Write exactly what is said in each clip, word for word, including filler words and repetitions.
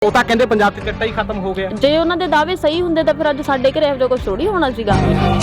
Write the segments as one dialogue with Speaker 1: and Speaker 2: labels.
Speaker 1: ਉਹ ਤਾਂ ਕਹਿੰਦੇ ਪੰਜਾਬ 'ਚ ਚਿੱਟਾ ਹੀ ਖਤਮ ਹੋ ਗਿਆ।
Speaker 2: ਜੇ ਉਹਨਾਂ ਦੇ ਦਾਅਵੇ ਸਹੀ ਹੁੰਦੇ ਤਾਂ ਫਿਰ ਅੱਜ ਸਾਡੇ ਘਰੇ ਇਹੋ ਜਿਹਾ ਕੁਝ ਥੋੜੀ ਹੋਣਾ ਸੀਗਾ।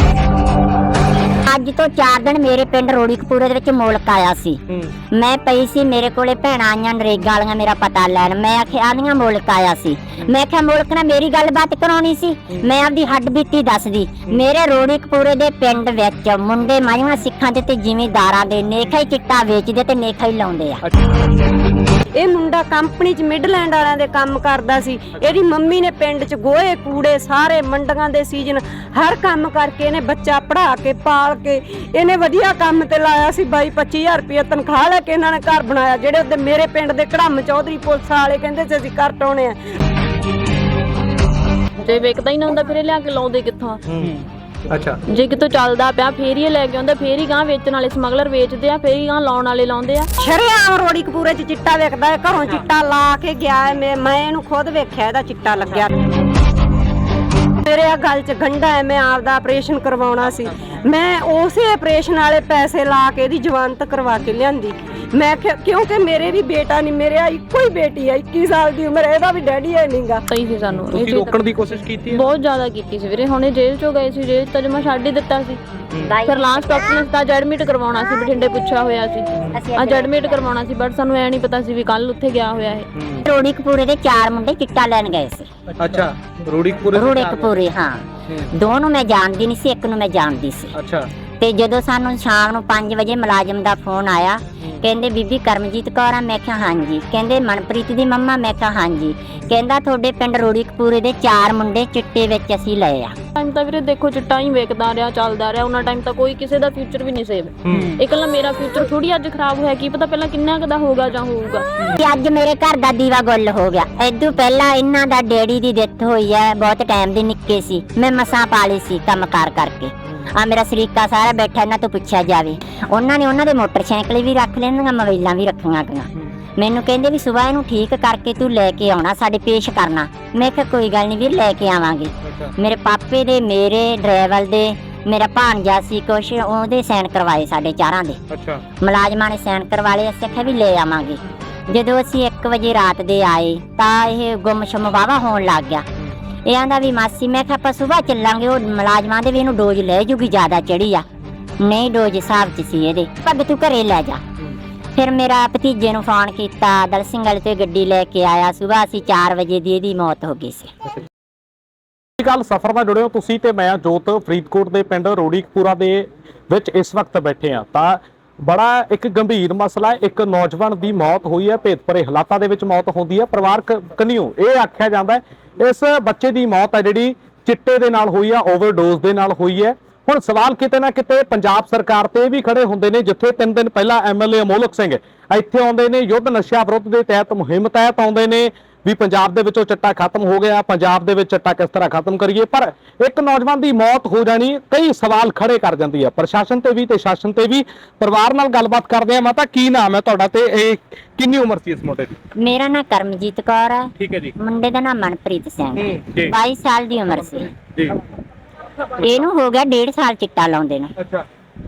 Speaker 3: ਅੱਜ ਤੋਂ ਚਾਰ ਦਿਨ ਮੇਰੇ ਪਿੰਡ ਰੋੜੀਕਪੂਰੇ ਦੇ ਵਿੱਚ ਮੁਲਕ ਆਇਆ ਸੀ। ਮੈਂ ਪਈ ਸੀ, ਮੇਰੇ ਕੋਲੇ ਭੈਣਾਂ ਆਈਆਂ ਨਰੇਗਾ ਵਾਲੀਆਂ ਮੇਰਾ ਪਤਾ ਲੈਣ। ਮੈਂ ਆਖਿਆ ਆਂਦੀਆਂ ਮੁਲਕ ਆਇਆ ਸੀ। ਮੈਂ ਕਿਹਾ ਮੁਲਕ ਨਾਲ ਮੇਰੀ ਗੱਲਬਾਤ ਕਰਾਉਣੀ ਸੀ। ਮੈਂ ਆਪਦੀ ਹੱਡ ਬੀਤੀ ਦੱਸਦੀ। ਮੇਰੇ ਰੋੜੀਕਪੂਰੇ ਦੇ ਪਿੰਡ ਵਿੱਚ ਮੁੰਡੇ ਮਾਈਆਂ ਸਿੱਖਾਂ ਦੇ ਤੇ ਜ਼ਿਮੀਂਦਾਰਾਂ ਦੇ ਨੇਖਾ ਹੀ ਚਿੱਟਾ ਵੇਚਦੇ ਤੇ ਨੇਖਾ ਹੀ ਲਾਉਂਦੇ ਆ।
Speaker 4: ਇਹ ਮੁੰਡਾ ਕੰਪਨੀ 'ਚ ਮਿਡਲੈਂਡ ਵਾਲਿਆਂ ਦੇ ਕੰਮ ਕਰਦਾ ਸੀ। ਇਹਦੀ ਮੰਮੀ ਨੇ ਪਿੰਡ 'ਚ ਗੋਹੇ ਕੂੜੇ ਸਾਰੇ ਮੰਡੀਆਂ ਦੇ ਸੀਜ਼ਨ ਹਰ ਕੰਮ ਕਰਕੇ ਇਹਨੇ ਬੱਚਾ ਪੜ੍ਹਾ ਕੇ ਪਾਲ ਕੇ ਇਹਨੇ ਵਧੀਆ ਕੰਮ ਤੇ ਲਾਇਆ ਸੀ। ਬਾਈ ਪੱਚੀ ਹਜ਼ਾਰ ਰੁਪਏ ਤਨਖਾਹ ਲੈ ਕੇ ਇਹਨਾਂ ਨੇ ਘਰ ਬਣਾਇਆ। ਜਿਹੜੇ ਉਹਦੇ ਮੇਰੇ ਪਿੰਡ ਦੇ ਕੜਮ ਚੌਧਰੀ ਪੁਲਿਸ ਵਾਲੇ ਕਹਿੰਦੇ ਸੀ ਅਸੀਂ ਘਰ ਟਾਉਣੇ ਆ।
Speaker 2: ਜੇ ਵੇਖਦਾ ਹੀ ਨਾ ਹੁੰਦਾ ਫਿਰ ਇਹ ਲਿਆ ਕੇ ਲਾਉਂਦੇ ਕਿੱਥੋਂ?
Speaker 1: ਅੱਛਾ,
Speaker 2: ਜੇ ਕਿਤੋਂ ਚੱਲਦਾ ਪਿਆ ਫੇਰ ਹੀ ਲੈ ਕੇ ਆਉਂਦਾ, ਫੇਰ ਹੀ ਗਾਂ ਵੇਚਣ ਵਾਲੇ ਸਮਗਲਰ ਵੇਚਦੇ ਆ, ਫੇਰ ਹੀ ਗਾਂ ਲਾਉਣ ਵਾਲੇ ਲਾਉਂਦੇ ਆ।
Speaker 4: ਸ਼ਰੇਆਮ ਰੋੜੀਕਪੂਰੇ 'ਚ ਚਿੱਟਾ ਵੇਖਦਾ ਹੈ। ਘਰੋਂ ਚਿੱਟਾ ਲਾ ਕੇ ਗਿਆ ਹੈ। ਮੈਂ ਮੈਂ ਇਹਨੂੰ ਖੁਦ ਵੇਖਿਆ, ਇਹਦਾ ਚਿੱਟਾ ਲੱਗਿਆ। ਮੇਰੇ ਆ ਗੱਲ 'ਚ ਗੰਢਾ ਹੈ। ਮੈਂ ਆਪਦਾ ਆਪਰੇਸ਼ਨ ਕਰਵਾਉਣਾ ਸੀ। ਮੈਂ ਉਸੇ ਆਪਰੇਸ਼ਨ ਵਾਲੇ ਪੈਸੇ ਲਾ ਕੇ ਇਹਦੀ ਜਵਾਨਤ ਕਰਵਾ ਕੇ ਲਿਆਂਦੀ। ਮੈਂ ਕਿਉਂਕਿ ਮੇਰੇ ਵੀ ਬੇਟਾ ਨਹੀਂ, ਮੇਰੇ ਇੱਕੋ ਹੀ ਬੇਟੀ ਹੈ ਇੱਕੀ ਸਾਲ ਦੀ ਉਮਰ। ਇਹਦਾ ਵੀ ਡੈਡੀ ਹੈ ਨਹੀਂਗਾ।
Speaker 2: ਸਹੀ ਸੀ ਸਾਨੂੰ
Speaker 1: ਤੁਸੀਂ ਰੋਕਣ ਦੀ ਕੋਸ਼ਿਸ਼ ਕੀਤੀ ਹੈ?
Speaker 2: ਬਹੁਤ ਜ਼ਿਆਦਾ ਕੀਤੀ ਸੀ ਵੀਰੇ। ਹੁਣੇ ਜੇਲ੍ਹ ਚੋਂ ਗਏ ਸੀ, ਜੇਲ੍ਹ ਤਾਂ ਜਮਾ ਛੱਡ ਹੀ ਦਿੱਤਾ ਸੀ। ਫਿਰ ਲਾਸਟ ਆਪਸ਼ਨ ਤਾਂ ਐਡਮਿਟ ਕਰਵਾਉਣਾ ਸੀ, ਬਠਿੰਡੇ ਪੁੱਛਿਆ ਹੋਇਆ ਸੀ। ਅੱਜ ਐਡਮਿਟ ਕਰਵਾਉਣਾ ਸੀ ਬਟ ਸਾਨੂੰ ਐ ਨਹੀਂ ਪਤਾ ਸੀ ਵੀ ਕੱਲ ਉੱਥੇ ਗਿਆ ਹੋਇਆ ਇਹ।
Speaker 3: ਰੋੜੀਕਪੂਰੇ ਦੇ ਚਾਰ ਮੁੰਡੇ ਚਿੱਟਾ ਲੈਣ ਗਏ ਸੀ।
Speaker 1: ਅੱਛਾ, ਰੋੜੀਕਪੂਰੇ
Speaker 3: ਰੋੜੀਕਪੂਰੇ ਹਾਂ। ਦੋ ਨੂੰ ਮੈਂ ਜਾਣਦੀ ਨਹੀਂ ਸੀ, ਇੱਕ ਨੂੰ ਮੈਂ ਜਾਣਦੀ ਸੀ।
Speaker 1: ਅੱਛਾ।
Speaker 3: ਤੇ ਜਦੋਂ ਸਾਨੂੰ ਸ਼ਾਮ ਨੂੰ ਪੰਜ ਵਜੇ ਮੁਲਾਜ਼ਮ ਦਾ ਫੋਨ ਆਇਆ, ਕਹਿੰਦੇ ਬੀਬੀ ਕਰਮਜੀਤ ਕੌਰ ਆ? ਮੈਂ ਕਿਹਾ ਹਾਂਜੀ। ਕਹਿੰਦੇ ਮਨਪ੍ਰੀਤ ਦੀ ਮੰਮਾ? ਮੈਂ ਕਿਹਾ ਹਾਂਜੀ। ਕਹਿੰਦਾ ਤੁਹਾਡੇ ਪਿੰਡ ਰੋੜੀਕਪੂਰੇ ਦੇ ਚਾਰ ਮੁੰਡੇ ਚਿੱਟੇ ਵਿੱਚ ਅਸੀਂ ਲਏ ਆ।
Speaker 2: ਟਾਈਮ ਤਾਂ ਵੀਰੇ ਦੇਖੋ ਚਿੱਟਾ ਹੀ ਵੇਖਦਾ ਰਿਹਾ, ਚੱਲਦਾ ਰਿਹਾ। ਉਹਨਾਂ ਟਾਈਮ ਤਾਂ ਕੋਈ ਕਿਸੇ ਦਾ ਫਿਊਚਰ ਵੀ ਨਹੀਂ ਸੇਵ। ਇਕੱਲਾ ਮੇਰਾ ਫਿਊਚਰ ਥੋੜੀ ਅੱਜ ਖਰਾਬ ਹੋਇਆ, ਕੀ ਪਤਾ ਪਹਿਲਾਂ ਕਿੰਨਾ ਕੁ ਦਾ ਹੋਊਗਾ ਜਾਂ ਹੋਊਗਾ।
Speaker 3: ਅੱਜ ਮੇਰੇ ਘਰ ਦਾ ਦੀਵਾ ਗੁੱਲ ਹੋ ਗਿਆ। ਇਦੋਂ ਪਹਿਲਾਂ ਇਹਨਾਂ ਦਾ ਡੈਡੀ ਦੀ ਡੈਥ ਹੋਈ ਹੈ, ਬਹੁਤ ਟਾਈਮ ਦੀ ਨਿੱਕੇ ਸੀ। ਮੈਂ ਮਸਾਂ ਪਾਲੀ ਸੀ ਕੰਮ ਕਾਰ ਕਰਕੇ। ਆ ਮੇਰਾ ਸਰੀਕਾ ਸਾਰਾ ਬੈਠਾ, ਇਹਨਾਂ ਤੋਂ ਪੁੱਛਿਆ ਜਾਵੇ। ਉਹਨਾਂ ਨੇ ਉਹਨਾਂ ਦੇ ਮੋਟਰਸਾਈਕਲ ਵੀ ਰੱਖ ਲੈਂਦੀਆਂ, ਮੋਬਾਈਲਾਂ ਵੀ ਰੱਖੀਆਂ ਗਈਆਂ। ਮੈਨੂੰ ਕਹਿੰਦੇ ਵੀ ਸੁਬਾਹ ਇਹਨੂੰ ਠੀਕ ਕਰਕੇ ਤੂੰ ਲੈ ਕੇ ਆਉਣਾ, ਸਾਡੇ ਪੇਸ਼ ਕਰਨਾ। ਮੈਂ ਕਿਹਾ ਕੋਈ ਗੱਲ ਨਹੀਂ ਵੀਰ, ਲੈ ਕੇ ਆਵਾਂਗੇ। ਮੇਰੇ ਪਾਪੇ ਦੇ, ਮੇਰੇ ਡਰਾਈਵਰ ਦੇ, ਮੇਰਾ ਭਾਣਜਾ ਸੀ ਕੁਛ, ਉਹਦੇ ਸਾਈਨ ਕਰਵਾਏ ਸਾਡੇ ਚਾਰਾਂ ਦੇ।
Speaker 1: ਅੱਛਾ।
Speaker 3: ਮੁਲਾਜ਼ਮਾਂ ਨੇ ਸਾਈਨ ਕਰਵਾ ਲਏ। ਅਸੀਂ ਆਖਿਆ ਵੀ ਲੈ ਆਵਾਂਗੇ। ਜਦੋਂ ਅਸੀਂ ਇੱਕ ਵਜੇ ਰਾਤ ਦੇ ਆਏ ਤਾਂ ਇਹ ਗੁੰਮਸ਼ੁਮ ਵਾਹਵਾ ਹੋਣ ਲੱਗ ਗਿਆ। ਇਹ ਆਂਦਾ ਵੀ ਮਾਸੀ, ਮੈਂ ਕਿਹਾ ਆਪਾਂ ਸੁਬਾਹ ਚੱਲਾਂਗੇ। ਉਹ ਮੁਲਾਜ਼ਮਾਂ ਦੇ ਵੀ ਇਹਨੂੰ ਡੋਜ਼ ਲੈ ਜੂਗੀ, ਜ਼ਿਆਦਾ ਚੜੀ ਆ। ਨਹੀਂ, ਡੋਜ਼ ਹਿਸਾਬ 'ਚ ਸੀ ਇਹਦੇ। ਪੱਗ ਤੂੰ ਘਰੇ ਲੈ ਜਾ। ਫਿਰ ਮੇਰਾ ਭਤੀਜੇ ਨੂੰ ਫੋਨ ਕੀਤਾ, ਦਲ ਸਿੰਘ ਵਾਲੇ ਤੇ ਗੱਡੀ ਲੈ ਕੇ ਆਇਆ। ਸੁਬਾਹ ਅਸੀਂ ਚਾਰ ਵਜੇ ਦੀ ਇਹਦੀ ਮੌਤ ਹੋ ਗਈ ਸੀ।
Speaker 1: ਗੱਲ ਸਫ਼ਰ ਨਾਲ ਜੁੜੇ ਹੋ ਤੁਸੀਂ ਤੇ ਮੈਂ ਜੋਤ, ਫਰੀਦਕੋਟ ਦੇ ਪਿੰਡ ਰੋੜੀਕਪੂਰਾ ਦੇ ਵਿੱਚ ਇਸ ਵਕਤ ਬੈਠੇ ਆ। ਤਾਂ ਬੜਾ ਇੱਕ ਗੰਭੀਰ ਮਸਲਾ ਹੈ। ਇੱਕ ਨੌਜਵਾਨ ਦੀ ਮੌਤ ਹੋਈ ਹੈ, ਭੇਤਭਰੇ ਹਾਲਾਤਾਂ ਦੇ ਵਿੱਚ ਮੌਤ ਹੁੰਦੀ ਹੈ। ਪਰਿਵਾਰਕ ਕਨੀਓ ਇਹ ਆਖਿਆ ਜਾਂਦਾ ਹੈ ਇਸ ਬੱਚੇ ਦੀ ਮੌਤ ਹੈ ਜਿਹੜੀ ਚਿੱਟੇ ਦੇ ਨਾਲ ਹੋਈ ਆ, ਓਵਰਡੋਜ਼ ਦੇ ਨਾਲ ਹੋਈ ਹੈ। ਹੁਣ ਸਵਾਲ ਕਿਤੇ ਨਾ ਕਿਤੇ ਪੰਜਾਬ ਸਰਕਾਰ ਤੇ ਵੀ ਖੜੇ ਹੁੰਦੇ ਨੇ, ਜਿੱਥੇ ਤਿੰਨ ਦਿਨ ਪਹਿਲਾਂ ਐਮਐਲਏ ਅਮੋਲਕ ਸਿੰਘ ਇੱਥੇ ਆਉਂਦੇ ਨੇ, ਯੁੱਧ ਨਸ਼ਾ ਵਿਰੁੱਧ ਦੇ ਤਹਿਤ ਮੁਹਿੰਮ ਤਹਿਤ ਆਉਂਦੇ ਨੇ ਵੀ ਪੰਜਾਬ ਦੇ ਵਿੱਚੋਂ ਚਿੱਟਾ ਖਤਮ ਹੋ ਗਿਆ, ਪੰਜਾਬ ਦੇ ਵਿੱਚ ਚਿੱਟਾ ਕਿਸ ਤਰ੍ਹਾਂ ਖਤਮ ਕਰੀਏ। ਪਰ ਇੱਕ ਨੌਜਵਾਨ ਦੀ ਮੌਤ ਹੋ ਜਾਣੀ ਕਈ ਸਵਾਲ ਖੜੇ ਕਰ ਜਾਂਦੀ ਹੈ, ਪ੍ਰਸ਼ਾਸਨ ਤੇ ਵੀ ਤੇ ਸ਼ਾਸਨ ਤੇ ਵੀ। ਪਰਿਵਾਰ ਨਾਲ ਗੱਲਬਾਤ ਕਰਦੇ ਆ। ਮਾਤਾ, ਕੀ ਨਾਮ ਹੈ ਤੁਹਾਡਾ ਤੇ ਇਹ ਕਿੰਨੀ ਉਮਰ ਸੀ ਇਸ ਮੁੰਡੇ ਦੀ?
Speaker 3: ਮੇਰਾ ਨਾਮ ਕਰਮਜੀਤ ਕੌਰ ਹੈ।
Speaker 1: ਠੀਕ ਹੈ ਜੀ।
Speaker 3: ਮੁੰਡੇ ਦਾ ਨਾਮ ਮਨਪ੍ਰੀਤ ਸਿੰਘ।
Speaker 1: ਜੀ।
Speaker 3: ਬਾਈ ਸਾਲ ਦੀ ਉਮਰ ਸੀ
Speaker 1: ਜੀ।
Speaker 3: ਇਹਨੂੰ ਹੋ ਗਿਆ ਡੇਢ ਸਾਲ ਚਿੱਟਾ ਲਾਉਂਦੇ ਨੂੰ।
Speaker 1: ਅੱਛਾ।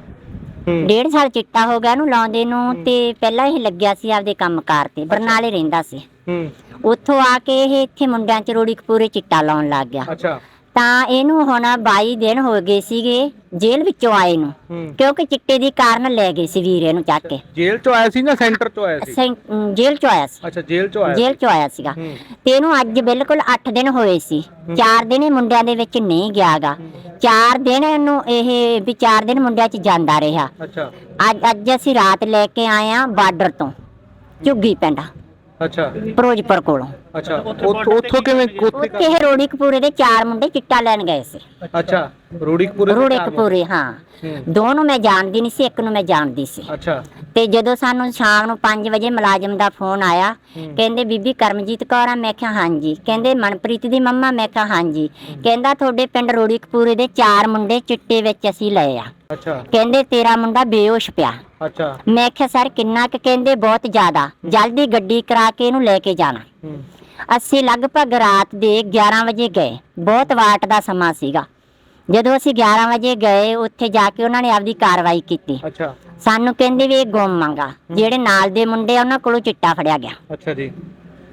Speaker 3: ਡੇਢ ਸਾਲ ਚਿੱਟਾ ਹੋ ਗਿਆ ਇਹਨੂੰ ਲਾਉਂਦੇ ਨੂੰ। ਤੇ ਪਹਿਲਾਂ ਇਹ ਲੱਗਿਆ ਸੀ ਆਪਦੇ ਕੰਮਕਾਰ ਤੇ, ਬਰਨਾਲੇ ਰਹਿੰਦਾ ਸੀ। ਉੱਥੋਂ ਆ ਕੇ ਇਹ ਇੱਥੇ ਮੁੰਡਿਆਂ 'ਚ ਰੋੜੀਕਪੂਰੇ ਚਿੱਟਾ ਲਾਉਣ ਲੱਗ ਗਿਆ।
Speaker 1: ਅੱਛਾ।
Speaker 3: ਤਾਂ ਇਹਨੂੰ ਹੁਣ ਬਾਈ ਦਿਨ ਹੋ ਗਏ ਸੀਗੇ ਜੇਲ੍ਹ ਵਿੱਚੋਂ ਆਏ ਨੂੰ, ਕਿਉਂਕਿ ਚਿੱਟੇ ਦੀ ਕਾਰਨ ਲੈ ਗਏ ਸੀ ਵੀਰੇ ਨੂੰ ਚੱਕ ਕੇ।
Speaker 1: ਜੇਲ੍ਹ ਚੋਂ ਆਇਆ ਸੀ ਨਾ ਸੈਂਟਰ ਚੋਂ ਆਇਆ ਸੀ?
Speaker 3: ਜੇਲ੍ਹ ਚੋਂ ਆਇਆ ਸੀ।
Speaker 1: ਅੱਛਾ, ਜੇਲ੍ਹ ਚੋਂ ਆਇਆ
Speaker 3: ਜੇਲ੍ਹ ਚੋਂ ਆਇਆ ਸੀਗਾ। ਤੇ ਇਹਨੂੰ ਅੱਜ ਬਿਲਕੁਲ ਅੱਠ ਦਿਨ ਹੋਏ ਸੀ। ਚਾਰ ਦਿਨ ਇਹ ਮੁੰਡਿਆਂ ਦੇ ਵਿੱਚ ਨਹੀਂ ਗਿਆਗਾ। ਚਾਰ ਦਿਨ ਇਹਨੂੰ ਇਹ ਵੀ ਚਾਰ ਦਿਨ ਮੁੰਡਿਆਂ 'ਚ ਜਾਂਦਾ ਰਿਹਾ।
Speaker 1: ਅੱਛਾ।
Speaker 3: ਅੱਜ ਅੱਜ ਅਸੀਂ ਰਾਤ ਲੈ ਕੇ ਆਏ ਆ ਬਾਰਡਰ ਤੋਂ, ਝੁੱਗੀ ਪਿੰਡ।
Speaker 1: ਅੱਛਾ।
Speaker 3: ਫਿਰੋਜ਼ਪੁਰ ਕੋਲੋਂ।
Speaker 1: ਅੱਛਾ। ਉੱਥੋਂ ਕਿਵੇਂ?
Speaker 3: ਉੱਥੇ ਇਹ ਰੋੜੀਕਪੂਰੇ ਦੇ ਚਾਰ ਮੁੰਡੇ ਚਿੱਟਾ ਲੈਣ ਗਏ ਸੀ।
Speaker 1: ਅੱਛਾ, ਰੋੜੀਕਪੂਰੇ
Speaker 3: ਰੋੜੀਕਪੂਰੇ ਹਾਂ। ਦੋ ਨੂੰ ਮੈਂ ਜਾਣਦੀ ਨਹੀਂ ਸੀ, ਇੱਕ ਨੂੰ ਮੈਂ ਜਾਣਦੀ ਸੀ।
Speaker 1: ਅੱਛਾ।
Speaker 3: ਤੇ ਜਦੋਂ ਸਾਨੂੰ ਸ਼ਾਮ ਨੂੰ ਪੰਜ ਵਜੇ ਮੁਲਾਜ਼ਮ ਦਾ ਫੋਨ ਆਇਆ, ਕਹਿੰਦੇ ਬੀਬੀ ਕਰਮਜੀਤ ਕੌਰ ਆ? ਮੈਂ ਕਿਹਾ ਹਾਂਜੀ। ਕਹਿੰਦੇ ਮਨਪ੍ਰੀਤ ਦੀ ਮੰਮਾ? ਮੈਂ ਕਿਹਾ ਹਾਂਜੀ। ਕਹਿੰਦਾ ਤੁਹਾਡੇ ਪਿੰਡ ਰੋੜੀਕਪੂਰੇ ਦੇ ਚਾਰ ਮੁੰਡੇ ਚਿੱਟੇ ਵਿੱਚ ਅਸੀਂ ਲਏ ਆ।
Speaker 1: ਅੱਛਾ।
Speaker 3: ਕਹਿੰਦੇ ਤੇਰਾ ਮੁੰਡਾ ਬੇਹੋਸ਼ ਪਿਆ।
Speaker 1: ਅੱਛਾ।
Speaker 3: ਮੈਂ ਕਿਹਾ ਸਰ ਕਿੰਨਾ ਕੁ? ਕਹਿੰਦੇ ਬਹੁਤ ਜ਼ਿਆਦਾ, ਜਲਦੀ ਗੱਡੀ ਕਰਾ ਕੇ ਇਹਨੂੰ ਲੈ ਕੇ ਜਾਣਾ। ਅਸੀਂ ਲਗਭਗ ਰਾਤ ਦੇ ਗਿਆਰਾਂ ਵਜੇ ਗਏ। ਬਹੁਤ ਵਾਟ ਦਾ ਸਮਾਂ ਸੀਗਾ। ਜਦੋਂ ਅਸੀਂ ਗਿਆਰਾਂ ਵਜੇ ਗਏ, ਉੱਥੇ ਜਾ ਕੇ ਉਹਨਾਂ ਨੇ ਆਪਦੀ ਕਾਰਵਾਈ ਕੀਤੀ।
Speaker 1: ਅੱਛਾ।
Speaker 3: ਸਾਨੂੰ ਕਹਿੰਦੇ ਵੀ ਇਹ ਗੁੰਮ ਆਂਗਾ। ਜਿਹੜੇ ਨਾਲ ਦੇ ਮੁੰਡੇ ਆ ਉਹਨਾਂ ਕੋਲੋਂ ਚਿੱਟਾ ਫੜਿਆ ਗਿਆ।
Speaker 1: ਅੱਛਾ ਜੀ।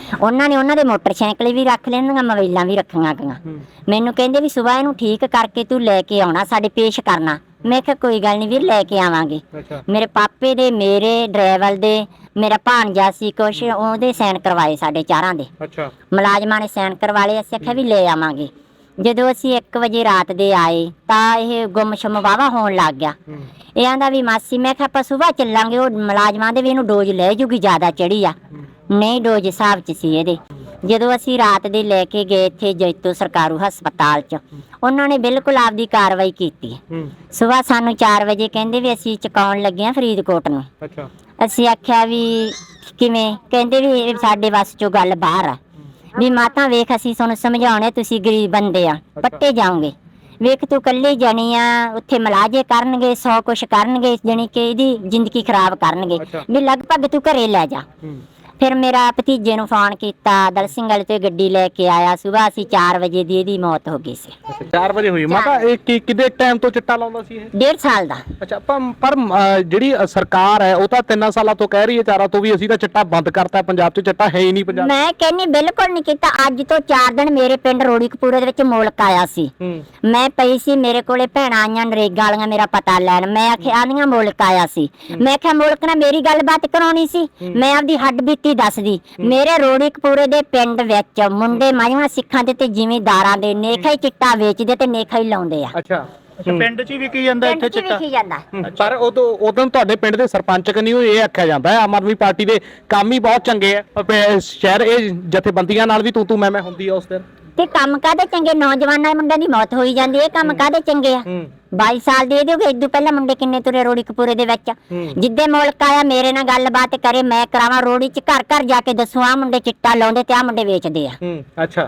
Speaker 3: ਉਹਨਾਂ ਨੇ ਉਹਨਾਂ ਦੇ ਮੋਟਰਸਾਈਕਲ ਵੀ ਰੱਖ ਲੈਣੀਆਂ, ਮੋਬਾਈਲਾਂ ਵੀ ਰੱਖੀਆਂ ਗਈਆਂ। ਮੈਨੂੰ ਕਹਿੰਦੇ ਵੀ ਸਵੇਰ ਇਹਨੂੰ ਠੀਕ ਕਰਕੇ ਤੂੰ ਲੈ ਕੇ ਆਉਣਾ, ਸਾਡੇ ਪੇਸ਼ ਕਰਨਾ। ਮੈਂ ਕਿਹਾ ਕੋਈ ਗੱਲ ਨਹੀਂ ਵੀਰ, ਲੈ ਕੇ ਆਵਾਂਗੇ। ਮੇਰੇ ਪਾਪੇ ਦੇ, ਮੇਰੇ ਡਰਾਈਵਰ ਦੇ, ਮੇਰਾ ਭਾਣਜਾ ਸੀ ਕੁਛ, ਉਹਦੇ ਸਾਈਨ ਕਰਵਾਏ ਸਾਡੇ ਚਾਰਾਂ ਦੇ।
Speaker 1: ਅੱਛਾ,
Speaker 3: ਮੁਲਾਜ਼ਮਾਂ ਨੇ ਸਾਈਨ ਕਰਵਾ ਲਏ। ਅਸੀਂ ਆਖਿਆ ਵੀ ਲੈ ਆਵਾਂਗੇ। ਜਦੋਂ ਅਸੀਂ ਇੱਕ ਵਜੇ ਰਾਤ ਦੇ ਆਏ ਤਾਂ ਇਹ ਗੁੰਮਸ਼ੁਮ ਵਾਹਵਾ ਹੋਣ ਲੱਗ ਗਿਆ। ਇਹ ਆਂਦਾ ਵੀ ਮਾਸੀ, ਮੈਂ ਕਿਹਾ ਆਪਾਂ ਸੁਬਾਹ ਚੱਲਾਂਗੇ। ਉਹ ਮੁਲਾਜ਼ਮਾਂ ਦੇ ਵੀ ਇਹਨੂੰ ਡੋਜ਼ ਲੈ ਜੂਗੀ, ਜ਼ਿਆਦਾ ਚੜੀ ਆ। ਨਹੀਂ, ਡੋਜ਼ ਹਿਸਾਬ 'ਚ ਸੀ ਇਹਦੇ। ਜਦੋਂ ਅਸੀਂ ਰਾਤ ਦੇ ਲੈ ਕੇ ਗਏ ਇੱਥੇ ਜੈਤੋ ਸਰਕਾਰੂ ਹਸਪਤਾਲ 'ਚ, ਉਹਨਾਂ ਨੇ ਬਿਲਕੁਲ ਆਪਦੀ ਕਾਰਵਾਈ ਕੀਤੀ। ਸੁਬਾਹ ਸਾਨੂੰ ਚਾਰ ਵਜੇ ਕਹਿੰਦੇ ਵੀ ਅਸੀਂ ਚੁਕਾਉਣ ਲੱਗੇ ਹਾਂ ਫਰੀਦਕੋਟ ਨੂੰ।
Speaker 1: ਅੱਛਾ,
Speaker 3: ਅਸੀਂ ਆਖਿਆ ਵੀ ਕਿਵੇਂ? ਕਹਿੰਦੇ ਵੀ ਇਹ ਸਾਡੇ ਵੱਸ 'ਚੋਂ ਗੱਲ ਬਾਹਰ ਆ। ਵੀ ਮਾਤਾ ਵੇਖ, ਅਸੀਂ ਤੁਹਾਨੂੰ ਸਮਝਾਉਣੇ, ਤੁਸੀਂ ਗਰੀਬ ਬੰਦੇ ਆ, ਪੱਟੇ ਜਾਓਗੇ। ਵੇਖ ਤੂੰ ਕੱਲੀ ਜਾਣੀ ਆ, ਉੱਥੇ ਮਲਾਜੇ ਕਰਨਗੇ, ਸੌ ਕੁਛ ਕਰਨਗੇ, ਜਾਣੀ ਕਿ ਇਹਦੀ ਜ਼ਿੰਦਗੀ ਖਰਾਬ ਕਰਨਗੇ। ਵੀ ਲਗਭਗ ਤੂੰ ਘਰੇ ਲੈ ਜਾ। ਫਿਰ ਮੇਰਾ ਭਤੀਜੇ ਨੂੰ ਫੋਨ ਕੀਤਾ, ਦਲ ਸਿੰਘ ਵਾਲੇ ਤੋਂ ਗੱਡੀ ਲੈ ਕੇ ਆਇਆ। ਸੁਬਾਹ ਅਸੀਂ ਚਾਰ ਵਜੇ ਦੀ ਇਹਦੀ ਮੌਤ ਹੋ ਗਈ ਸੀ।
Speaker 1: ਚਾਰ ਵਜੇ ਹੋਈ ਮਾਤਾ। ਇਹ ਕਿ ਕਿੰਨੇ ਟਾਈਮ ਤੋਂ ਚਿੱਟਾ ਲਾਉਂਦਾ ਸੀ ਇਹ?
Speaker 3: ਡੇਢ ਸਾਲ ਦਾ।
Speaker 1: ਅੱਛਾ, ਪਰ ਪਰ ਅ, ਜਿਹੜੀ ਅ, ਸਰਕਾਰ ਹੈ ਉਹ ਤਾਂ ਤਿੰਨ ਸਾਲਾਂ ਤੋਂ ਕਹਿ ਰਹੀ ਹੈ, ਚਾਰਾਂ ਤੋਂ ਵੀ ਅਸੀਂ ਤਾਂ ਚਿੱਟਾ ਬੰਦ ਕਰਤਾ, ਪੰਜਾਬ 'ਚ ਚਿੱਟਾ ਹੈ ਹੀ ਨਹੀਂ ਪੰਜਾਬ।
Speaker 3: ਮੈਂ ਕਹਿੰਨੀ ਬਿਲਕੁਲ ਨਹੀਂ ਕੀਤਾ। ਅੱਜ ਤੋਂ ਚਾਰ ਦਿਨ ਮੇਰੇ ਪਿੰਡ ਰੋੜੀਕਪੂਰੇ ਦੇ ਵਿੱਚ ਮੁਲਕ ਆਇਆ ਸੀ। ਮੈਂ ਪਈ ਸੀ, ਮੇਰੇ ਕੋਲੇ ਭੈਣਾਂ ਆਈਆਂ ਨਰੇਗਾ ਵਾਲੀਆਂ ਮੇਰਾ ਪਤਾ ਲੈਣ। ਮੈਂ ਆਖਿਆ ਆਂਦੀਆਂ ਮੁਲਕ ਆਇਆ ਸੀ। ਮੈਂ ਕਿਹਾ ਮੁਲਕ ਨਾਲ ਮੇਰੀ ਗੱਲਬਾਤ ਕਰਾਉਣੀ ਸੀ, ਮੈਂ ਆਪਦੀ ਹੱਡ ਬੀਤੀ ਦੱਸਦੀ। ਮੇਰੇ ਰੋੜੀਕਪੂਰੇ ਦੇ ਪਿੰਡ ਵਿੱਚ ਮੁੰਡੇ ਮਾਈਆਂ ਸਿੱਖਾਂ ਦੇ ਤੇ ਜ਼ਿਮੀਂਦਾਰਾਂ ਦੇ ਨੇਖਾ ਹੀ ਚਿੱਟਾ ਵੇਚਦੇ ਤੇ ਨੇਖਾ ਹੀ ਲਾਉਂਦੇ ਆ।
Speaker 1: ਅੱਛਾ,
Speaker 5: ਪਿੰਡ 'ਚ ਵੀ ਕੀ ਜਾਂਦਾ, ਇੱਥੇ ਚਿੱਟਾ
Speaker 3: ਵਿਕੀ ਜਾਂਦਾ।
Speaker 1: ਪਰ ਉਦੋਂ ਉਦੋਂ ਤੁਹਾਡੇ ਪਿੰਡ ਦੇ ਸਰਪੰਚ ਕਨੀ ਇਹ ਆਖਿਆ ਜਾਂਦਾ ਹੈ ਆਮ ਆਦਮੀ ਪਾਰਟੀ ਦੇ ਕੰਮ ਹੀ ਬਹੁਤ ਚੰਗੇ ਆ। ਸ਼ਹਿਰ ਇਹ ਜਥੇਬੰਦੀਆਂ ਨਾਲ ਵੀ ਤੂੰ ਤੂੰ ਮੈਂ ਮੈਂ ਹੁੰਦੀ ਆ ਉਸ ਦਿਨ।
Speaker 3: ਤੇ ਕੰਮ ਕਾਹਦੇ ਚੰਗੇ? ਨੌਜਵਾਨਾਂ ਮੁੰਡਿਆਂ ਦੀ ਮੌਤ ਹੋਈ ਜਾਂਦੀ ਹੈ, ਕੰਮ ਕਾਹਦੇ ਚੰਗੇ ਆ? ਬਾਈ ਸਾਲ ਦੇ ਦਿਓਗੇ। ਇਦੋਂ ਪਹਿਲਾਂ ਮੁੰਡੇ ਕਿੰਨੇ ਤੁਰੇ ਰੋੜੀਕਪੂਰੇ ਦੇ ਵਿੱਚ। ਜਿੱਦੇ ਮੁਲਕ ਆਇਆ ਮੇਰੇ ਨਾਲ ਗੱਲਬਾਤ ਕਰੇ, ਮੈਂ ਕਰਾਵਾਂ ਰੋੜੀ 'ਚ ਘਰ ਘਰ ਜਾ ਕੇ ਦੱਸੂ ਆ ਮੁੰਡੇ ਚਿੱਟਾ ਲਾਉਂਦੇ ਤੇ ਆ ਮੁੰਡੇ ਵੇਚਦੇ ਆ।
Speaker 1: ਅੱਛਾ,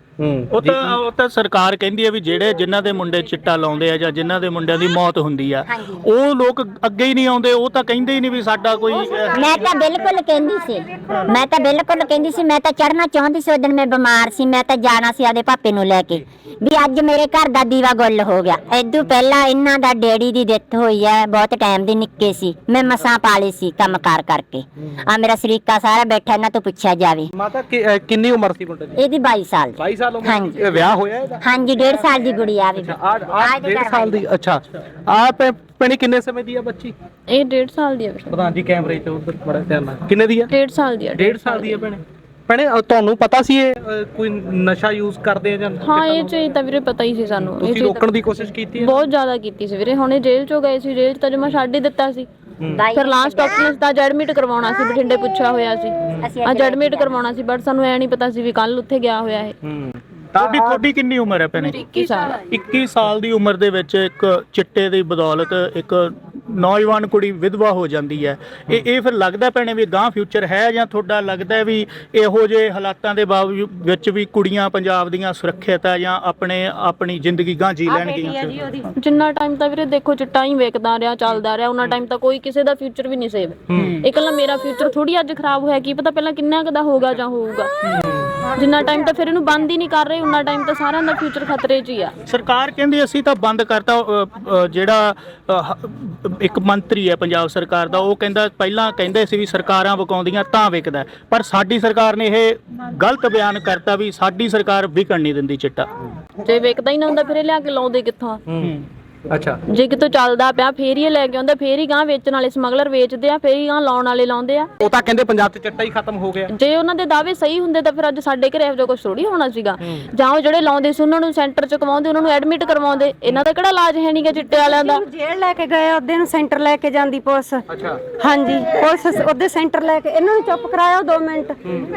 Speaker 5: ਉਹ ਤਾਂ ਉਹ ਤਾਂ ਸਰਕਾਰ ਕਹਿੰਦੀ ਹੈ ਵੀ ਜਿਹੜੇ ਜਿਨ੍ਹਾਂ ਦੇ ਮੁੰਡੇ ਚਿੱਟਾ ਲਾਉਂਦੇ ਆ ਜਾਂ ਜਿਨ੍ਹਾਂ ਦੇ ਮੁੰਡਿਆਂ ਦੀ ਮੌਤ ਹੁੰਦੀ ਆ, ਉਹ ਲੋਕ ਅੱਗੇ ਹੀ ਨਹੀਂ ਆਉਂਦੇ। ਉਹ ਤਾਂ ਕਹਿੰਦੇ ਹੀ ਨਹੀਂ ਵੀ ਸਾਡਾ ਕੋਈ।
Speaker 3: ਮੈਂ ਤਾਂ ਬਿਲਕੁਲ ਕਹਿੰਦੀ ਸੀ, ਮੈਂ ਤਾਂ ਬਿਲਕੁਲ ਕਹਿੰਦੀ ਸੀ। ਮੈਂ ਤਾਂ ਚੜਨਾ ਚਾਹੁੰਦੀ ਸੀ। ਉਦੋਂ ਮੈਂ ਬਿਮਾਰ ਸੀ, ਮੈਂ ਤਾਂ ਜਾਣਾ ਸੀ ਆਦੇ ਪਾਪੇ ਨੂੰ ਲੈ ਕੇ। ਵੀ ਅੱਜ ਮੇਰੇ ਘਰ ਦਾ ਦੀਵਾ ਗੁੱਲ ਹੋ ਗਿਆ। ਇਦੋਂ ਪਹਿਲਾਂ ਇਹਨਾਂ ਦਾ ਡੈਡੀ ਦੀ ਡੈਥ ਹੋਈ ਹੈ, ਬਹੁਤ ਟਾਈਮ ਦੀ, ਨਿੱਕੇ ਸੀ। ਮੈਂ ਮਸਾਂ ਪਾਲੇ ਸੀ ਕੰਮ ਕਾਰ ਕਰਕੇ। ਆ ਮੇਰਾ ਸ਼ਰੀਕਾ ਸਾਰਾ ਬੈਠਾ, ਇਹਨਾਂ ਤੋਂ ਪੁੱਛਿਆ ਜਾਵੇ।
Speaker 1: ਮਾਤਾ ਕਿੰਨੀ ਉਮਰ ਸੀ ਮੁੰਡੇ ਦੀ?
Speaker 3: ਇਹਦੀ ਬਾਈ ਸਾਲ ਦੀ।
Speaker 1: ਬਾਈ ਸਾਲ ਉਮਰ।
Speaker 3: ਹਾਂਜੀ।
Speaker 1: ਇਹ ਵਿਆਹ ਹੋਇਆ ਇਹਦਾ?
Speaker 3: ਹਾਂਜੀ, ਡੇਢ ਸਾਲ ਦੀ ਗੁੜੀਆ ਵੀ।
Speaker 1: ਆ ਡੇਢ ਸਾਲ ਦੀ। ਅੱਛਾ, ਆ ਭੈਣੇ ਕਿੰਨੇ ਸਮੇਂ ਦੀ ਆ ਬੱਚੀ?
Speaker 2: ਇਹ ਡੇਢ ਸਾਲ ਦੀ ਹੈ।
Speaker 1: ਪ੍ਰਧਾਨ ਜੀ ਕੈਮਰੇ ਤੇ ਉਧਰ ਬੜਾ ਧਿਆਨ ਨਾਲ। ਕਿੰਨੇ ਦੀ ਆ?
Speaker 2: ਡੇਢ ਸਾਲ ਦੀ ਹੈ।
Speaker 1: ਡੇਢ ਸਾਲ ਦੀ ਆ ਭੈਣੇ। ਭੈਣੇ ਤੁਹਾਨੂੰ ਪਤਾ ਸੀ ਇਹ ਅ, ਕੋਈ ਨਸ਼ਾ ਯੂਜ਼ ਕਰਦੇ ਆ ਜਾਂ?
Speaker 2: ਹਾਂ, ਇਹ ਚੀਜ਼ ਤਾਂ ਵੀਰੇ ਪਤਾ ਹੀ ਸੀ ਸਾਨੂੰ।
Speaker 1: ਤੁਸੀਂ ਰੋਕਣ ਦੀ ਕੋਸ਼ਿਸ਼ ਕੀਤੀ ਹੈ?
Speaker 2: ਬਹੁਤ ਜ਼ਿਆਦਾ ਕੀਤੀ ਸੀ ਵੀਰੇ। ਹੁਣੇ ਜੇਲ੍ਹ 'ਚੋਂ ਗਏ ਸੀ, ਜੇਲ੍ਹ 'ਚ ਤਾਂ ਜਮਾ ਛੱਡ ਹੀ ਦਿੱਤਾ ਸੀ। ਫਿਰ ਲਾਸਟ ਆਪਸ਼ਨ ਤਾਂ ਐਡਮਿਟ ਕਰਵਾਉਣਾ ਸੀ, ਬਠਿੰਡੇ ਪੁੱਛਿਆ ਹੋਇਆ ਸੀ। ਅੱਜ ਐਡਮਿਟ ਕਰਵਾਉਣਾ ਸੀ, ਬਟ ਸਾਨੂੰ ਐ ਨਹੀਂ ਪਤਾ ਸੀ ਵੀ ਕੱਲ ਉੱਥੇ ਗਿਆ ਹੋਇਆ ਇਹ।
Speaker 5: ਤੁਹਾਡੀ ਤੁਹਾਡੀ ਕਿੰਨੀ ਉਮਰ ਹੈ ਭੈਣੇ?
Speaker 2: ਇੱਕੀ ਸਾਲ।
Speaker 5: ਇੱਕੀ ਸਾਲ ਦੀ ਉਮਰ ਦੇ ਵਿੱਚ ਇੱਕ ਚਿੱਟੇ ਦੀ ਬਦੌਲਤ ਇੱਕ ਨੌਜਵਾਨ ਕੁੜੀ ਵਿਧਵਾ ਹੋ ਜਾਂਦੀ ਹੈ। ਇਹ ਇਹ ਫਿਰ ਲੱਗਦਾ ਭੈਣੇ ਵੀ ਗਾਂ ਫਿਊਚਰ ਹੈ, ਜਾਂ ਤੁਹਾਡਾ ਲੱਗਦਾ ਵੀ ਇਹੋ ਜਿਹੇ ਹਾਲਾਤਾਂ ਦੇ ਬਾਵਜੂਦ ਵਿੱਚ ਵੀ ਕੁੜੀਆਂ ਪੰਜਾਬ ਦੀਆਂ ਸੁਰੱਖਿਅਤ ਹੈ ਜਾਂ ਆਪਣੇ ਆਪਣੀ ਜ਼ਿੰਦਗੀ ਗਾਂ ਜੀ ਲੈਣਗੀਆਂ?
Speaker 2: ਜਿੰਨਾ ਟਾਈਮ ਤਾਂ ਵੀਰੇ ਦੇਖੋ ਚਿੱਟਾ ਹੀ ਵੇਚਦਾ ਰਿਹਾ, ਚੱਲਦਾ ਰਿਹਾ, ਉਹਨਾਂ ਟਾਈਮ ਤਾਂ ਕੋਈ ਕਿਸੇ ਦਾ ਫਿਊਚਰ ਵੀ ਨਹੀਂ ਸੇਵ। ਇਕੱਲਾ ਮੇਰਾ ਫਿਊਚਰ ਥੋੜੀ ਅੱਜ ਖਰਾਬ ਹੋਇਆ, ਕੀ ਪਤਾ ਪਹਿਲਾਂ ਕਿੰਨਾ ਕੁ ਦਾ ਹੋਊਗਾ ਜਾਂ ਹੋਊਗਾ। ਜਿੰਨਾ ਟਾਈਮ ਤਾਂ ਫਿਰ ਇਹਨੂੰ ਬੰਦ ਹੀ ਨਹੀਂ ਕਰ ਰਹੇ, ਉਹਨਾਂ ਟਾਈਮ ਤਾਂ ਸਾਰਿਆਂ ਦਾ ਫਿਊਚਰ ਖਤਰੇ 'ਚ ਹੀ ਆ।
Speaker 5: ਸਰਕਾਰ ਕਹਿੰਦੀ ਅਸੀਂ ਤਾਂ ਬੰਦ ਕਰਤਾ। ਅ, ਅ, ਜਿਹੜਾ ਅ, ਇੱਕ ਮੰਤਰੀ ਹੈ ਪੰਜਾਬ ਸਰਕਾਰ ਦਾ, ਉਹ ਕਹਿੰਦਾ ਪਹਿਲਾਂ ਕਹਿੰਦੇ ਸੀ ਵੀ ਸਰਕਾਰਾਂ ਵਿਕਾਉਂਦੀਆਂ ਤਾਂ ਵਿਕਦਾ, ਪਰ ਸਾਡੀ ਸਰਕਾਰ ਨੇ ਇਹ ਗਲਤ ਬਿਆਨ ਕਰਤਾ ਵੀ ਸਾਡੀ ਸਰਕਾਰ ਵਿਕਣ ਨਹੀਂ ਦਿੰਦੀ ਚਿੱਟਾ।
Speaker 2: ਜੇ ਵੇਚਦਾ ਹੀ ਨਾ ਹੁੰਦਾ ਫਿਰ ਇਹ ਲਿਆ ਕੇ ਲਾਉਂਦੇ ਕਿੱਥੋਂ?
Speaker 1: ਅੱਛਾ,
Speaker 2: ਜੇ ਕਿਤੋਂ ਚੱਲਦਾ ਪਿਆ ਫੇਰ ਹੀ ਇਹ ਲੈ ਕੇ ਆਉਂਦਾ, ਫੇਰ ਹੀ ਗਾਂ ਵੇਚਣ ਵਾਲੇ ਸਮਗਲਰ ਵੇਚਦੇ ਆ, ਫੇਰ ਹੀ ਗਾਂ ਲਾਉਣ ਵਾਲੇ ਲਾਉਂਦੇ ਆ।
Speaker 1: ਉਹ ਤਾਂ ਕਹਿੰਦੇ ਪੰਜਾਬ 'ਚ ਚਿੱਟਾ ਹੀ ਖਤਮ ਹੋ ਗਿਆ।
Speaker 2: ਜੇ ਉਹਨਾਂ ਦੇ ਦਾਅਵੇ ਸਹੀ ਹੁੰਦੇ ਤਾਂ ਫਿਰ ਅੱਜ ਸਾਡੇ ਘਰੇ ਇਹੋ ਜਿਹਾ ਕੁਝ ਥੋੜੀ ਹੋਣਾ ਸੀਗਾ। ਜਾਂ ਉਹ ਜਿਹੜੇ ਲਾਉਂਦੇ ਸੀ ਉਹਨਾਂ ਨੂੰ ਸੈਂਟਰ 'ਚ ਕਮਾਉਂਦੇ, ਉਹਨਾਂ ਨੂੰ ਐਡਮਿਟ ਕਰਵਾਉਂਦੇ। ਇਹਨਾਂ ਦਾ ਕਿਹੜਾ ਇਲਾਜ ਹੈ ਨਹੀਂਗਾ ਚਿੱਟੇ ਵਾਲਿਆਂ ਦਾ।
Speaker 4: ਜੇਲ੍ਹ ਲੈ ਕੇ ਗਏ ਉਹਦੇ ਨੂੰ, ਸੈਂਟਰ ਲੈ ਕੇ ਜਾਂਦੀ ਪੁਲਿਸ।
Speaker 1: ਅੱਛਾ,
Speaker 4: ਹਾਂਜੀ, ਪੁਲਿਸ ਉਹਦੇ ਸੈਂਟਰ ਲੈ ਕੇ, ਇਹਨਾਂ ਨੂੰ ਚੁੱਪ ਕਰਾਇਆ ਦੋ ਮਿੰਟ।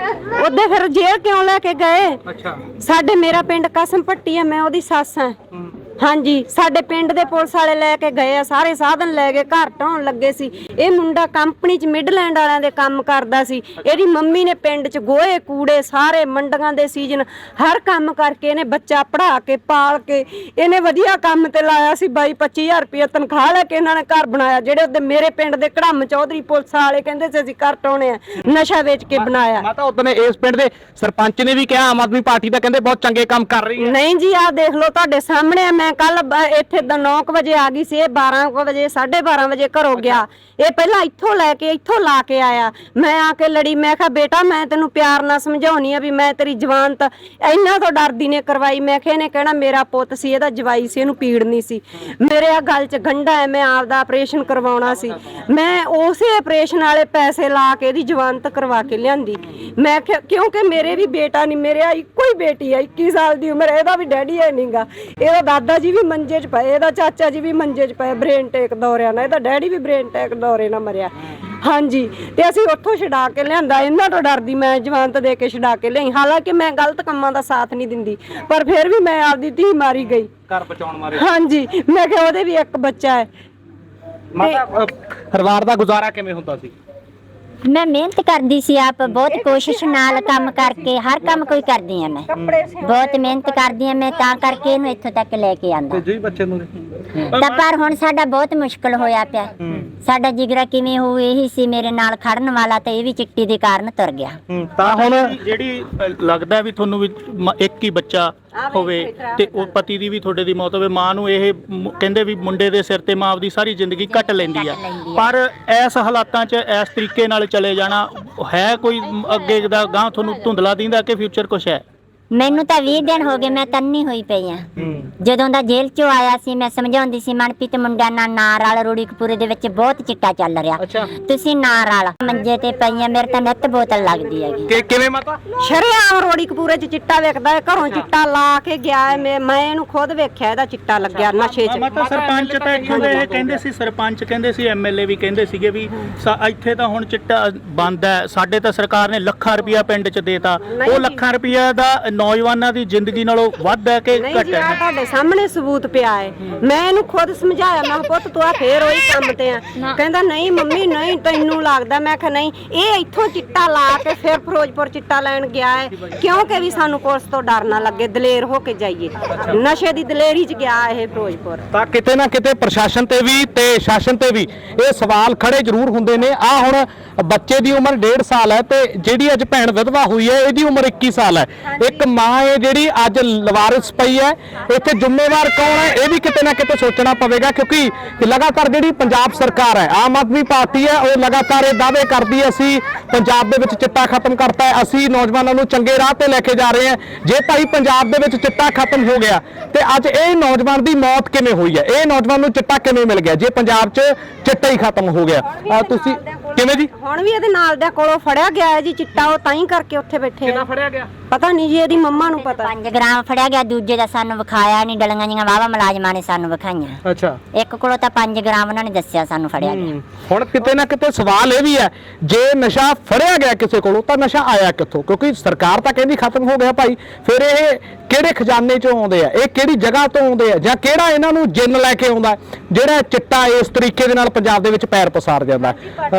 Speaker 4: ਉਹਦੇ ਫਿਰ ਜੇਲ੍ਹ ਕਿਉਂ ਲੈ ਕੇ ਗਏ?
Speaker 1: ਅੱਛਾ,
Speaker 4: ਸਾਡੇ ਮੇਰਾ ਪਿੰਡ ਕਸਮ ਪੱਟੀ ਆ, ਮੈਂ ਉਹਦੀ ਸੱਸ ਆ। ਹਾਂਜੀ, ਸਾਡੇ ਪਿੰਡ ਦੇ ਪੁਲਿਸ ਵਾਲੇ ਲੈ ਕੇ ਗਏ ਆ, ਸਾਰੇ ਸਾਧਨ ਲੈ ਕੇ ਘਰ ਢਾਉਣ ਲੱਗੇ ਸੀ। ਇਹ ਮੁੰਡਾ ਕੰਪਨੀ 'ਚ ਮਿਡਲੈਂਡ ਵਾਲਿਆਂ ਦੇ ਕੰਮ ਕਰਦਾ ਸੀ। ਇਹਦੀ ਮੰਮੀ ਨੇ ਪਿੰਡ 'ਚ ਗੋਹੇ ਕੂੜੇ ਸਾਰੇ ਮੰਡੀਆਂ ਦੇ ਸੀਜ਼ਨ ਹਰ ਕੰਮ ਕਰਕੇ ਇਹਨੇ ਬੱਚਾ ਪੜ੍ਹਾ ਕੇ ਪਾਲ ਕੇ ਇਹਨੇ ਵਧੀਆ ਕੰਮ ਤੇ ਲਾਇਆ ਸੀ। ਬਾਈ ਪੱਚੀ ਹਜ਼ਾਰ ਰੁਪਏ ਤਨਖਾਹ ਲੈ ਕੇ ਇਹਨਾਂ ਨੇ ਘਰ ਬਣਾਇਆ। ਜਿਹੜੇ ਉਹਦੇ ਮੇਰੇ ਪਿੰਡ ਦੇ ਕੜਮ ਚੌਧਰੀ ਪੁਲਿਸ ਵਾਲੇ ਕਹਿੰਦੇ ਸੀ ਅਸੀਂ ਘਰ ਢਾਉਣੇ ਆ, ਨਸ਼ਾ ਵੇਚ ਕੇ ਬਣਾਇਆ।
Speaker 1: ਮਾਤਾ ਉਹਨੇ ਇਸ ਪਿੰਡ ਦੇ ਸਰਪੰਚ ਨੇ ਵੀ ਕਿਹਾ ਆਮ ਆਦਮੀ ਪਾਰਟੀ ਦਾ ਕਹਿੰਦੇ ਬਹੁਤ ਚੰਗੇ ਕੰਮ ਕਰ ਰਹੀ ਹੈ।
Speaker 4: ਨਹੀਂ ਜੀ, ਆਹ ਦੇਖ ਲਓ ਤੁਹਾਡੇ ਸਾਹਮਣੇ ਆ। ਮੈਂ ਮੈਂ ਕੱਲ ਇੱਥੇ ਨੌ ਵਜੇ ਆ ਗਈ ਸੀ, ਇਹ ਬਾਰਾਂ ਕੁ ਵਜੇ ਸਾਢੇ ਬਾਰਾਂ ਵਜੇ ਘਰੋਂ ਗਿਆ। ਇਹ ਪਹਿਲਾਂ ਇੱਥੋਂ ਲੈ ਕੇ ਇੱਥੋਂ ਲਾ ਕੇ ਆਇਆ। ਮੈਂ ਆ ਕੇ ਲੜੀ, ਮੈਂ ਕਿਹਾ ਬੇਟਾ ਮੈਂ ਤੈਨੂੰ ਪਿਆਰ ਨਾਲ ਸਮਝਾਉਣੀ ਆ ਵੀ ਮੈਂ ਤੇਰੀ ਜ਼ਮਾਨਤ ਇਹਨਾਂ ਤੋਂ ਡਰਦੀ ਨੇ ਕਰਵਾਈ। ਮੈਂ ਕਿਹਾ ਇਹਨੇ ਕਹਿਣਾ ਮੇਰਾ ਪੁੱਤ ਸੀ, ਇਹਦਾ ਜਵਾਈ ਸੀ, ਇਹਨੂੰ ਪੀੜ ਨਹੀਂ ਸੀ। ਮੇਰੇ ਆ ਗੱਲ 'ਚ ਗੰਢਾ ਹੈ, ਮੈਂ ਆਪਦਾ ਆਪਰੇਸ਼ਨ ਕਰਵਾਉਣਾ ਸੀ। ਮੈਂ ਉਸੇ ਆਪਰੇਸ਼ਨ ਵਾਲੇ ਪੈਸੇ ਲਾ ਕੇ ਇਹਦੀ ਜ਼ਮਾਨਤ ਕਰਵਾ ਕੇ ਲਿਆਂਦੀ। ਮੈਂ ਕਿਹਾ ਕਿਉਂਕਿ ਮੇਰੇ ਵੀ ਬੇਟਾ ਨਹੀਂ, ਮੇਰੇ ਆ ਇੱਕੋ ਹੀ ਬੇਟੀ ਆ, ਇੱਕੀ ਸਾਲ ਦੀ ਉਮਰ। ਇਹਦਾ ਵੀ ਡੈਡੀ ਹੈ ਨਹੀਂਗਾ, ਇਹਦਾ ਦਾਦਾ ਜੀ ਵੀ ਮੰਜੇ 'ਚ ਪਏ, ਇਹਦਾ ਚਾਚਾ ਜੀ ਵੀ ਮੰਜੇ 'ਚ ਪਏ ਬ੍ਰੇਨ ਟੇਕ ਦੌਰਿਆਂ ਨਾਲ, ਇਹਦਾ ਡੈਡੀ ਵੀ ਬ੍ਰੇਨ ਟੇਕ ਦੌਰੇ ਨਾਲ ਮਰਿਆ। ਹਾਂਜੀ, ਤੇ ਅਸੀਂ ਉੱਥੋਂ ਛਡਾ ਕੇ ਲਿਆਂਦਾ। ਇਹਨਾਂ ਤੋਂ ਡਰਦੀ ਮੈਂ ਜ਼ਮਾਨਤ ਦੇ ਕੇ ਛਡਾ ਕੇ ਲਿਆਈ। ਹਾਲਾਂਕਿ ਮੈਂ ਗਲਤ ਕੰਮਾਂ ਦਾ ਸਾਥ ਨਹੀਂ ਦਿੰਦੀ, ਪਰ ਫਿਰ ਵੀ ਮੈਂ ਆਪਦੀ ਧੀ ਮਾਰੀ ਗਈ
Speaker 1: ਘਰ ਬਚਾਉਣ ਮਾਰੇ।
Speaker 4: ਹਾਂਜੀ, ਮੈਂ ਕਿਹਾ ਉਹਦੇ ਵੀ ਇੱਕ ਬੱਚਾ ਹੈ।
Speaker 1: ਮਾਤਾ ਪਰਿਵਾਰ ਦਾ ਗੁਜ਼ਾਰਾ ਕਿਵੇਂ ਹੁੰਦਾ ਸੀ?
Speaker 3: ਮੈਂ ਮਿਹਨਤ ਕਰਦੀ ਸੀ, ਆਪ ਬਹੁਤ ਕੋਸ਼ਿਸ਼ ਨਾਲ ਕੰਮ ਕਰਕੇ ਹਰ ਕੰਮ ਕੋਈ ਕਰਦੀ ਆ। ਮੈਂ ਬਹੁਤ ਮਿਹਨਤ ਕਰਦੀ ਆ, ਮੈਂ ਤਾਂ ਕਰਕੇ ਇਹਨੂੰ ਇੱਥੋਂ ਤੱਕ ਲੈ ਕੇ ਆਂਦਾ।
Speaker 1: ਜੀ ਬੱਚੇ ਨੂੰ
Speaker 3: ਤਾਂ ਪਰ ਹੁਣ ਸਾਡਾ ਬਹੁਤ ਮੁਸ਼ਕਲ ਹੋਇਆ ਪਿਆ। ਸਾਡਾ ਜਿਗਰਾ ਕਿਵੇਂ ਹੋਊ, ਇਹੀ ਸੀ ਮੇਰੇ ਨਾਲ ਖੜਨ ਵਾਲਾ, ਤੇ ਇਹ ਵੀ ਚਿੱਟੀ ਦੇ ਕਾਰਨ ਤੁਰ ਗਿਆ।
Speaker 1: ਤਾਂ ਹੁਣ
Speaker 5: ਜਿਹੜੀ ਅ, ਲੱਗਦਾ ਵੀ ਤੁਹਾਨੂੰ ਵੀ ਮ- ਇੱਕ ਹੀ ਬੱਚਾ ਹੋਵੇ ਤੇ ਉਹ ਪਤੀ ਦੀ ਵੀ ਤੁਹਾਡੇ ਦੀ ਮੌਤ ਹੋਵੇ, ਮਾਂ ਨੂੰ ਇਹ ਮ- ਕਹਿੰਦੇ ਵੀ ਮੁੰਡੇ ਦੇ ਸਿਰ ਤੇ ਮਾਂ ਆਪਦੀ ਸਾਰੀ ਜ਼ਿੰਦਗੀ ਕੱਟ ਲੈਂਦੀ ਆ। ਪਰ ਇਸ ਹਾਲਾਤਾਂ 'ਚ ਇਸ ਤਰੀਕੇ ਨਾਲ ਚਲੇ ਜਾਣਾ ਹੈ ਕੋਈ ਅੱਗੇ ਦਾ ਗਾਂ ਤੁਹਾਨੂੰ ਧੁੰਦਲਾ ਦਿੰਦਾ ਕਿ ਫਿਊਚਰ ਕੁਛ ਹੈ?
Speaker 3: ਮੈਨੂੰ ਤਾਂ ਵੀਹ ਦਿਨ ਹੋ ਗਏ, ਮੈਂ ਤੰਨੀ ਹੋਈ ਪਈ ਆ। ਜਦੋਂ ਦਾ ਜੇਲ੍ਹ ਚੋਂ ਆਇਆ ਸੀ ਮੈਂ ਸਮਝਾਉਂਦੀ ਸੀ ਮਨਪ੍ਰੀਤ ਮੁੰਡਿਆਂ ਨਾਲ ਨਾ ਰਲ, ਰੂੜੀਕਪੁਰੇ ਦੇ ਵਿੱਚ ਬਹੁਤ ਚਿੱਟਾ ਚੱਲ ਰਿਹਾ, ਤੁਸੀਂ ਨਾ ਰਲ। ਮੰਜੇ ਤੇ ਪਈਆਂ, ਮੇਰੇ ਤਾਂ ਨਿੱਤ ਬੋਤਲ ਲੱਗਦੀ ਹੈਗੀ।
Speaker 1: ਕਿ ਕਿਵੇਂ ਮਾਤਾ?
Speaker 4: ਸ਼ਰੇਆਮ ਰੋੜੀਕਪੂਰੇ 'ਚ ਚਿੱਟਾ ਵੇਖਦਾ ਹੈ, ਘਰੋਂ ਚਿੱਟਾ ਲਾ ਕੇ ਗਿਆ ਹੈ। ਮੈਂ ਮੈਂ ਇਹਨੂੰ ਖੁਦ ਵੇਖਿਆ, ਇਹਦਾ ਚਿੱਟਾ ਲੱਗਿਆ ਨਸ਼ੇ 'ਚ।
Speaker 5: ਮਾਤਾ ਸਰਪੰਚ ਤਾਂ ਇੱਥੋਂ ਦੇ ਇਹ ਕਹਿੰਦੇ ਸੀ, ਸਰਪੰਚ ਕਹਿੰਦੇ ਸੀ, ਐਮਐਲਏ ਵੀ ਕਹਿੰਦੇ ਸੀਗੇ ਵੀ ਸਾ- ਇੱਥੇ ਤਾਂ ਹੁਣ ਚਿੱਟਾ ਬੰਦ ਹੈ। ਸਾਡੇ ਤਾਂ ਸਰਕਾਰ ਨੇ ਲੱਖਾਂ ਰੁਪਇਆ ਪਿੰਡ 'ਚ ਦੇਤਾ, ਉਹ ਲੱਖਾਂ ਰੁਪਇਆ ਦਾ ਨੌਜਵਾਨਾਂ ਦੀ ਜ਼ਿੰਦਗੀ ਨਾਲੋਂ ਵੱਧ ਹੈ ਕਿ
Speaker 4: ਨਹੀਂ
Speaker 5: ਘੱਟ
Speaker 4: ਜੀ, ਆ
Speaker 5: ਹੈ?
Speaker 4: ਤੁਹਾਡੇ ਸਾਹਮਣੇ ਸਬੂਤ ਪਿਆ ਹੈ। ਮੈਂ ਇਹਨੂੰ ਖੁਦ ਸਮਝਾਇਆ, ਮੈਂ ਕਿਹਾ ਪੁੱਤ ਤੂੰ ਆ ਫੇਰ ਉਹੀ ਕੰਮ ਤੇ ਆ। ਕਹਿੰਦਾ ਨਹੀਂ ਮੰਮੀ ਨਹੀਂ, ਤੈਨੂੰ ਲੱਗਦਾ। ਮੈਂ ਕਿਹਾ ਨਹੀਂ, ਇਹ ਇੱਥੋਂ ਚਿੱਟਾ ਲਾ ਕੇ ਫਿਰ ਫਿਰੋਜ਼ਪੁਰ ਚਿੱਟਾ ਲੈਣ ਗਿਆ ਹੈ, ਕਿਉਂਕਿ ਵੀ ਸਾਨੂੰ ਪੁਲਿਸ ਤੋਂ ਡਰ ਨਾ ਲੱਗੇ, ਦਲੇਰ ਹੋ ਕੇ ਜਾਈਏ। ਨਸ਼ੇ ਦੀ ਦਲੇਰੀ 'ਚ ਗਿਆ ਇਹ ਫਿਰੋਜ਼ਪੁਰ।
Speaker 1: ਤਾਂ ਕਿਤੇ ਨਾ ਕਿਤੇ ਪ੍ਰਸ਼ਾਸਨ ਤੇ ਵੀ ਤੇ ਸ਼ਾਸਨ ਤੇ ਵੀ ਇਹ ਸਵਾਲ ਖੜੇ ਜ਼ਰੂਰ ਹੁੰਦੇ ਨੇ। ਆ ਹੁਣ ਬੱਚੇ ਦੀ ਉਮਰ ਡੇਢ ਸਾਲ ਹੈ ਤੇ ਜਿਹੜੀ ਅੱਜ ਭੈਣ ਵਿਧਵਾ ਹੋਈ ਹੈ ਇਹਦੀ ਉਮਰ ਇੱਕੀ ਸਾਲ ਹੈ। ਇੱਕ ਮਾਂ ਹੈ ਜਿਹੜੀ ਅੱਜ ਲਵਾਰਿਸ ਪਈ ਹੈ। ਇੱਥੇ ਜ਼ਿੰਮੇਵਾਰ ਕੌਣ ਹੈ ਇਹ ਵੀ ਕਿਤੇ ਨਾ ਕਿਤੇ ਸੋਚਣਾ ਪਵੇਗਾ, ਕਿਉਂਕਿ ਲਗਾਤਾਰ ਜਿਹੜੀ ਪੰਜਾਬ ਸਰਕਾਰ ਹੈ, ਆਮ ਆਦਮੀ ਪਾਰਟੀ ਹੈ, ਉਹ ਲਗਾਤਾਰ ਇਹ ਦਾਅਵੇ ਕਰਦੀ ਹੈ ਅਸੀਂ ਪੰਜਾਬ ਦੇ ਵਿੱਚ ਚਿੱਟਾ ਖਤਮ ਕਰਤਾ ਹੈ, ਅਸੀਂ ਨੌਜਵਾਨਾਂ ਨੂੰ ਚੰਗੇ ਰਾਹ ਤੇ ਲੈ ਕੇ ਜਾ ਰਹੇ ਹਾਂ। ਜੇ ਭਾਈ ਪੰਜਾਬ ਦੇ ਵਿੱਚ ਚਿੱਟਾ ਖਤਮ ਹੋ ਗਿਆ ਤੇ ਅੱਜ ਇਹ ਨੌਜਵਾਨ ਦੀ ਮੌਤ ਕਿਵੇਂ ਹੋਈ ਹੈ, ਇਹ ਨੌਜਵਾਨ ਨੂੰ ਚਿੱਟਾ ਕਿਵੇਂ ਮਿਲ ਗਿਆ ਜੇ ਪੰਜਾਬ 'ਚ ਚਿੱਟਾ ਹੀ ਖਤਮ ਹੋ ਗਿਆ? ਅਹ ਤੁਸੀਂ ਕਿਵੇਂ ਜੀ?
Speaker 4: ਹੁਣ ਵੀ ਇਹਦੇ ਨਾਲ ਦੇ ਕੋਲੋਂ ਫੜਿਆ ਗਿਆ ਹੈ ਜੀ ਚਿੱਟਾ, ਉਹ ਤਾਂ ਹੀ ਕਰਕੇ ਉੱਥੇ ਬੈਠੇ ਆ।
Speaker 1: ਫੜਿਆ ਗਿਆ
Speaker 4: ਪਤਾ ਨਹੀਂ ਜੀ, ਇਹਦੀ ਮੰਮਾ ਨੂੰ ਪਤਾ।
Speaker 3: ਪੰਜ ਗ੍ਰਾਮ ਫੜਿਆ ਗਿਆ, ਦੂਜੇ ਦਾ ਸਾਨੂੰ ਵਿਖਾਇਆ ਨਹੀਂ। ਡਲੀਆਂ ਜੀਆਂ ਵਾਵਾ ਮੁਲਾਜ਼ਮਾਂ ਨੇ ਸਾਨੂੰ ਵਿਖਾਈਆਂ।
Speaker 1: ਅੱਛਾ,
Speaker 3: ਇੱਕ ਕੋਲੋਂ ਤਾਂ ਪੰਜ ਗ੍ਰਾਮ ਉਹਨਾਂ ਨੇ ਦੱਸਿਆ ਸਾਨੂੰ ਫੜਿਆ ਗਿਆ।
Speaker 1: ਹੁਣ ਕਿਤੇ ਨਾ ਕਿਤੇ ਸਵਾਲ ਇਹ ਵੀ ਹੈ, ਜੇ ਨਸ਼ਾ ਫੜਿਆ ਗਿਆ ਕਿਸੇ ਕੋਲੋਂ ਤਾਂ ਨਸ਼ਾ ਆਇਆ ਕਿੱਥੋਂ? ਕਿਉਂਕਿ ਸਰਕਾਰ ਤਾਂ ਕਹਿੰਦੀ ਖਤਮ ਹੋ ਗਿਆ ਭਾਈ, ਫਿਰ ਇਹ ਕਿਹੜੇ ਖਜ਼ਾਨੇ ਚੋਂ ਆਉਂਦੇ ਆ, ਇਹ ਕਿਹੜੀ ਜਗ੍ਹਾ ਤੋਂ ਆਉਂਦੇ ਆ, ਜਾਂ ਕਿਹੜਾ ਇਹਨਾਂ ਨੂੰ ਜਿੰਨ ਲੈ ਕੇ ਆਉਂਦਾ ਜਿਹੜਾ ਚਿੱਟਾ ਇਸ ਤਰੀਕੇ ਦੇ ਨਾਲ ਪੰਜਾਬ ਦੇ ਵਿੱਚ ਪੈਰ ਪਸਾਰ ਜਾਂਦਾ?